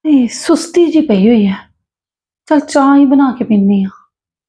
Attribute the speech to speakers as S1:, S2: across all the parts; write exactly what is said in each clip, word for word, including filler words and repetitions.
S1: ਇਹ ਸੁਸਤੀ ਜੀ ਪਈ ਹੋਈ ਹੈ। चल चाह ही बना के पीनी आ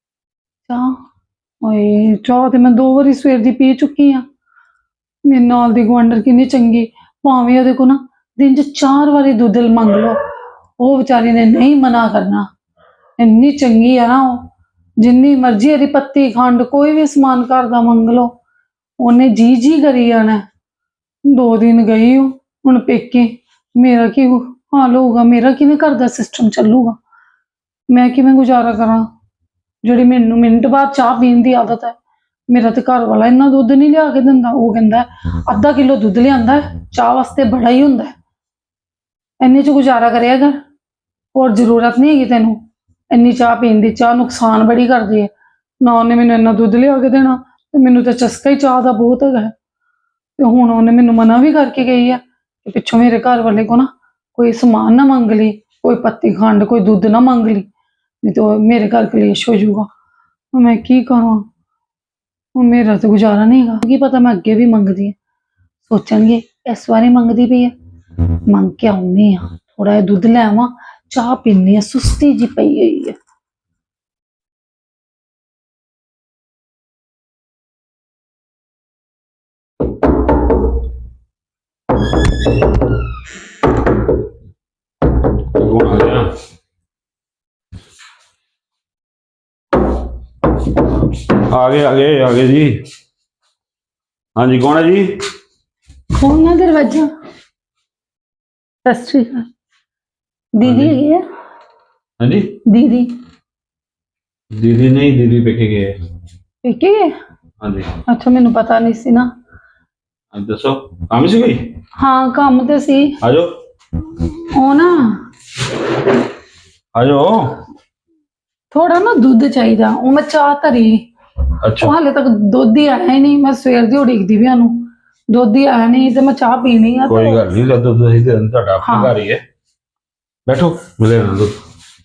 S1: चाह। ओए चाह तो मैं दो बारी सवेर दी पी चुकी हाँ। मेरे नाल दी गुआंढर कितनी चंगी, भावें ओहदे को ना दिन च चार बारी दुद्ध मंग लो, वो बेचारी ने नहीं मना करना। इन्नी चंगी है ना, जिन्नी मर्जी यदि पत्ती खंड कोई भी समान घर का मंग लो, उन्हें जी जी करी जाना। दो दिन गई हूँ हुण पेके, मेरा की हाल होगा, मेरा किवें घर का सिस्टम चलूगा, मैं किवें गुजारा करा। जिहड़ी मैनू मिनट बाद चाह पीण दी आदत है, मेरा तो घर वाला इन्ना दुद्ध नहीं लिया के दिंदा। वो कहंदा अद्धा किलो दुद्ध लिआंदा चाह वास्ते बड़ा ही हुंदा, इन्ने च गुजारा करेआ कर, होर जरूरत नहीं हैगी तैनू इन्नी चाह पीण दी। चाह नुकसान बड़ी करदी है ना, उन्हें मैनू इन्ना दुद्ध लिया के देना, ते मैनू तो चस्का ही चाह दा बहुत हैगा। ते हुण उन्हें मैनू मना भी करके गई है कि पिछों मेरे घर वाले को ना कोई समान ना मंग ली, कोई पत्ती खंड कोई दुद्ध ना मंग ली, नहीं तो मेरे घर कलेश हो जाऊगा। मैं की करा, मेरा तो गुजारा नहीं है। की पता मैं अगे भी मंगदी, सोचणगे इस बारी मंगदी पई है, मंग के आउनी आ, थोड़ा जिहा दुद्ध लै आवां, चाह पीनी आ, सुस्ती जी पई हुई है।
S2: कौन आ गया? आ गए आ गए आ गए जी। हाँ जी, कौन है जी?
S1: खोलना दरवाजा। सत श्री अकाल। दीदी हैगी है?
S2: हाँ जी,
S1: दीदी
S2: दीदी नहीं, दीदी पेके गए।
S1: पेके गए?
S2: हाँ जी।
S1: अच्छा, मैनू पता नहीं सी ना।
S2: अब दसो काम से कोई?
S1: हाँ काम तो सी।
S2: आ जाओ
S1: ओ ना
S2: आ जाओ।
S1: थोड़ा ना दुद्ध चाहिए, वो मैं चाह धरी,
S2: अच्छा,
S1: हाले तक दुद्ध ही आया ही नहीं। मैं सवेर दी उड़ीकदी भी आनू, दुद्ध ही आया नहीं, तो मैं चाह पीनी है।
S2: कोई गल नहीं, दुद्ध दही दे देना, ਤੁਹਾਡਾ ਆਪਣਾ
S1: हाँ।
S2: घर ही है। बैठो मिले ना दुद्ध।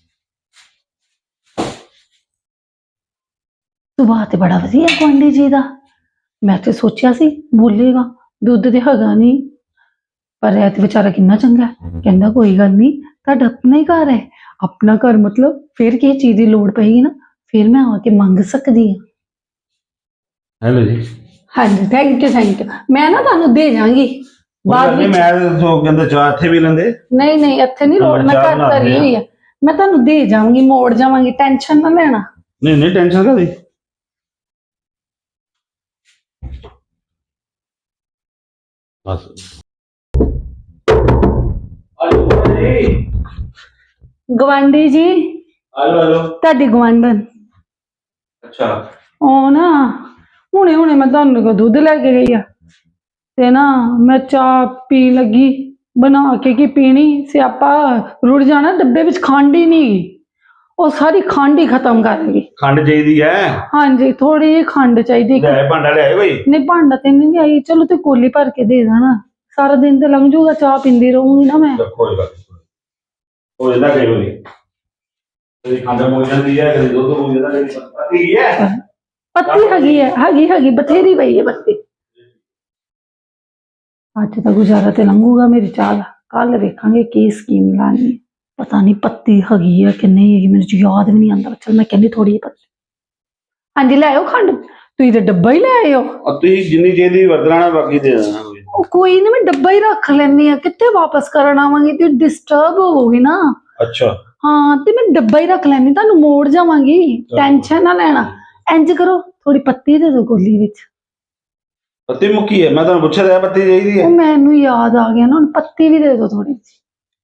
S1: सुभाਅ ते बड़ा वधिया गुआंढी जी दा। मैं तो सोचिया सी बोलेगा दुद्ध ते हैगा नहीं, पर ऐ ते बेचारा किन्ना चंगा है, कहंदा कोई गल नहीं, तुहाडा अपना ही घर है। अपना घर मतलब फिर किसी चीज की लोड़ पेगी ना, फिर मैं आके मंग सकदी हां।
S2: हेलो जी।
S1: हाँ जी, थैंक यू थैंक यू। मैं ना तुहानू दे जांगी बाद
S2: नहीं,
S1: विच।
S2: मैं तो कहंदे चाह इत्थे भी लेंदे।
S1: नहीं नहीं, इत्थे नहीं लोड़, मैं
S2: चाह
S1: घर
S2: बना
S1: धरी
S2: देने
S1: हुई है, मैं तुहानू दे जाऊंगी, मोड़ जावांगी, टेंशन ना लेना।
S2: नहीं नहीं, टेंशन कादी? बस
S1: गवांढी जी,
S2: हेलो हेलो।
S1: ਤੁਹਾਡੀ ਗਵਾਂਢਣ।
S2: अच्छा,
S1: ਉਹ ਨਾ ਹੁਣੇ ਹੁਣੇ ਮੈਂ ਤੁਹਾਨੂੰ ਕੋ ਦੁੱਧ ਲੈ ਕੇ ਗਈ ਆ, ਤੇ ਨਾ ਮੈਂ ਚਾਹ ਪੀਣ ਲੱਗੀ, ਬਣਾ ਕੇ ਕੀ ਪੀਣੀ, ਸਿਆਪਾ ਰੁੜ ਜਾਣਾ, ਡੱਬੇ ਵਿੱਚ ਖੰਡ ਹੀ ਨਹੀਂ ਗਈ, ਉਹ ਸਾਰੀ ਖੰਡ ਹੀ ਖਤਮ ਕਰ ਗਈ।
S2: खंड चाहिए है?
S1: ਹਾਂਜੀ ਥੋੜੀ ਜਿਹੀ ਖੰਡ ਚਾਹੀਦੀ।
S2: ले भांडा ले आए भाई।
S1: ਨਹੀਂ ਭਾਂਡਾ ਤੇ ਨਹੀਂ ਆਈ, ਚਲੋ ਤੇ ਕੋਲੀ ਭਰ ਕੇ ਦੇ ਦੇਣਾ, ਸਾਰਾ ਦਿਨ ਤੇ ਲੰਘ ਜਾਊਗਾ, ਚਾਹ ਪੀਂਦੀ ਰਹੂੰਗੀ ਨਾ ਮੈਂ।
S2: कोई बात नहीं, हो जाता कई बारी, कभी खंड मुक जाती है, कभी दूध मुक जाता है, कभी पत्ती है।
S1: ਪੱਤੀ ਹੈਗੀ ਹੈ, ਹੈਗੀ ਹੈਗੀ ਬਥੇਰੀ ਪਈ ਹੈ ਪੱਤੀ। ਅੱਜ ਤਾਂ ਗੁਜ਼ਾਰਾ ਤੇ ਲੰਘੂਗਾ ਮੇਰੀ ਚਾਹ ਦਾ, ਕੱਲ ਵੇਖਾਂਗੇ ਕੀ ਸਕੀਮ ਲਾਣੀ ਹੈ। ਪਤਾ ਨਹੀਂ ਪੱਤੀ ਹੈਗੀ ਹੈ ਕਿ ਨਹੀਂ ਹੈਗੀ, ਮੈਨੂੰ ਯਾਦ ਵੀ ਨਹੀਂ ਆਉਂਦਾ। ਚਲ ਮੈਂ ਕਹਿੰਦੀ ਥੋੜੀ ਜਿਹੀ ਪੱਤੀ। ਹਾਂਜੀ ਲੈ ਆਓ ਖੰਡ, ਤੁਸੀਂ ਤੇ ਡੱਬਾ ਹੀ ਲੈ ਆਏ ਹੋ।
S2: अति जिन्नी चाहिए वरतना बाकी दे देना।
S1: ਉਹ ਕੋਈ ਨਾ, ਮੈਂ ਡੱਬਾ ਹੀ ਰੱਖ ਲੈਂਦੀ ਆ, ਕਿੱਥੇ ਵਾਪਸ ਕਰਨ ਆਵਾਂਗੀ ਤੇ ਡਿਸਟਰਬ ਹੋਵੋਗੀ ਨਾ।
S2: अच्छा,
S1: ਹਾਂ ਤੇ ਮੈਂ ਡੱਬਾ ਹੀ ਰੱਖ ਲੈਂਦੀ, ਤੁਹਾਨੂੰ ਮੋੜ ਜਾਵਾਂਗੀ, ਟੈਨਸ਼ਨ ਨਾ ਲੈਣਾ। ਇੰਜ ਕਰੋ ਥੋੜੀ ਪੱਤੀ ਦੇ ਦਿਓ ਕੋਲੀ ਵਿੱਚ।
S2: पत्ती मुक्की है, मैं तो पूछा था पत्ती चाहिए है।
S1: ਉਹ ਮੈਨੂੰ ਯਾਦ ਆ ਗਿਆ ਨਾ, ਹੁਣ ਪੱਤੀ ਵੀ ਦੇ ਦਿਓ ਥੋੜੀ ਜਿਹੀ।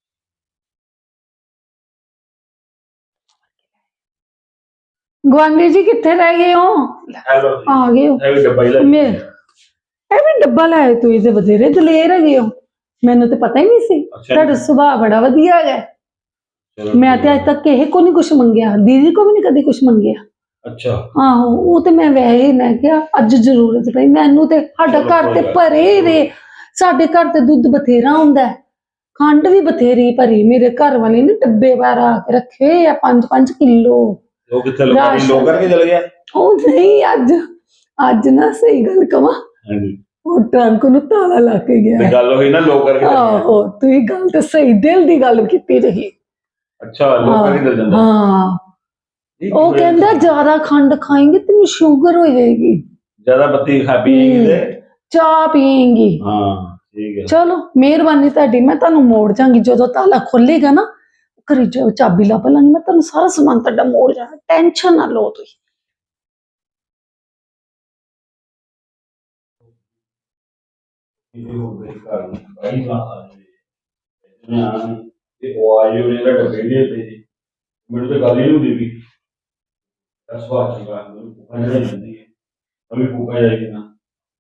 S1: ਗੁਆਂਢੀ ਜੀ ਕਿੱਥੇ ਰਹਿ ਗਏ ਹੋ?
S2: हेलो
S1: ਆ ਗਏ ਹੋ?
S2: ये भी डब्बा ही ले।
S1: ਮੈਂ ਇਹ ਵੀ ਡੱਬਾ ਲੈ ਆਏ, ਤੁਸੀਂ ਤੇ ਬਥੇਰੇ ਦਲੇਰ ਹੈਗੇ ਹੋ, ਮੈਨੂੰ ਤੇ ਪਤਾ ਹੀ ਨਹੀਂ ਸੀ।
S2: अच्छा।
S1: ਤੁਹਾਡਾ ਸੁਭਾਅ ਬੜਾ ਵਧੀਆ ਹੈਗਾ।
S2: चलो,
S1: ਮੈਂ ਤੇ ਅੱਜ ਤੱਕ ਕਿਸੇ ਕੋ ਨਹੀਂ ਕੁਛ ਮੰਗਿਆ, ਦੀਦੀ ਕੋ ਵੀ ਨਹੀਂ ਕਦੀ ਕੁਛ ਮੰਗਿਆ।
S2: अच्छा,
S1: ਆਹੋ ਉਹ ਤੇ ਮੈਂ ਵੈਸੇ ਹੀ ਮੈਂ ਕਿਹਾ ਅੱਜ ਜ਼ਰੂਰਤ ਪਈ ਮੈਨੂੰ, ਤੇ ਸਾਡਾ
S2: ਚਲੋ
S1: ਘਰ ਤੇ
S2: ਕੋਈ ਗੱਲ
S1: ਭਰੇ ਰੇ, ਸਾਡੇ ਘਰ ਤੇ ਦੁੱਧ ਬਥੇਰਾ ਹੁੰਦਾ ਹੈ, ਖੰਡ ਵੀ ਬਥੇਰੀ ਭਰੀ, ਮੇਰੇ ਘਰ ਵਾਲੇ ਨੇ ਡੱਬੇ ਬਾਹਰ ਆ ਕੇ ਰੱਖੇ ਆ ਪੰਜ ਪੰਜ ਕਿਲੋ।
S2: वो कितने लोग
S1: राशन।
S2: लोग करके चल गया।
S1: ਉਹ ਨਹੀਂ, ਅੱਜ ਅੱਜ ਨਾ ਸਹੀ ਗੱਲ ਕਵਾਂ,
S2: हाँ जी,
S1: ਉਹ ਟਰੰਕ ਨੂੰ ਤਾਲਾ ਲਾ ਕੇ ਗਿਆ
S2: ਤੇ
S1: ਹੈ।
S2: ਗੱਲ ਹੋਈ ਨਾ ਲੋਕ ਕਰਕੇ ਚੱਲ ਗਿਆ।
S1: ਆਹੋ ਤੁਸੀਂ ਗੱਲ ਤੇ ਸਹੀ ਦਿਲ ਦੀ ਗੱਲ ਕੀਤੀ ਰਹੀ।
S2: ਅੱਛਾ ਲੋਕ ਕਰਕੇ ਚੱਲ ਜਾਂਦਾ।
S1: ਹਾਂ
S2: ਇਹ
S1: ਉਹ
S2: ਕਿਵੇਂ
S1: ਕਹਿੰਦਾ ਜ਼ਿਆਦਾ ਖੰਡ ਖਾਏਂਗੇ ਤੈਨੂੰ ਸ਼ੂਗਰ ਹੋ ਜਾਏਗੀ,
S2: ਜ਼ਿਆਦਾ ਬੱਤੀ ਖਾ ਪੀਏਗੀ ਤੇ
S1: ਚਾਹ ਪੀਏਂਗੀ।
S2: ਹਾਂ ਠੀਕ ਹੈ।
S1: ਚਲੋ ਮਿਹਰਬਾਨੀ ਤੁਹਾਡੀ, ਮੈਂ ਤੁਹਾਨੂੰ ਮੋੜ ਜਾਵਾਂਗੀ ਜਦੋਂ ਤਾਲਾ ਖੋਲੇਗਾ ਨਾ, ਘਰੇ ਜਾਓ ਚਾਬੀ ਲੱਭ ਲਾਂਗੀ, ਮੈਂ ਤੁਹਾਨੂੰ ਸਾਰਾ ਸਮਾਨ ਤੁਹਾਡਾ ਮੋੜ ਜਾਣਾ, ਟੈਨਸ਼ਨ ਨਾ ਲਓ ਤੁਸੀਂ।
S2: ਇਹ ਹੋ ਗਈ ਘਰ ਨੂੰ ਕਈ ਵਾਰ ਆ ਜਾਵੇ ਮੈਂ ਆਣਾ ਨਹੀਂ ਤੇ ਉਹ ਆਈ ਉਹਨੇ ਦਾ ਡੱਬੇ ਦੇ ਦਿੱਤੇ ਮੈਨੂੰ ਤਾਂ ਗੱਲ ਹੀ ਨਹੀਂ ਹੁੰਦੀ ਵੀ ਦਸ ਵਾਰ ਚੰਗਾ ਮੈਨੂੰ ਭੁੱਖਾ ਜਿਹੜਾ ਜਾਂਦੀ ਹੈ ਅਭੀ ਭੁੱਖਾ ਜਾਏਗੀ ਨਾ।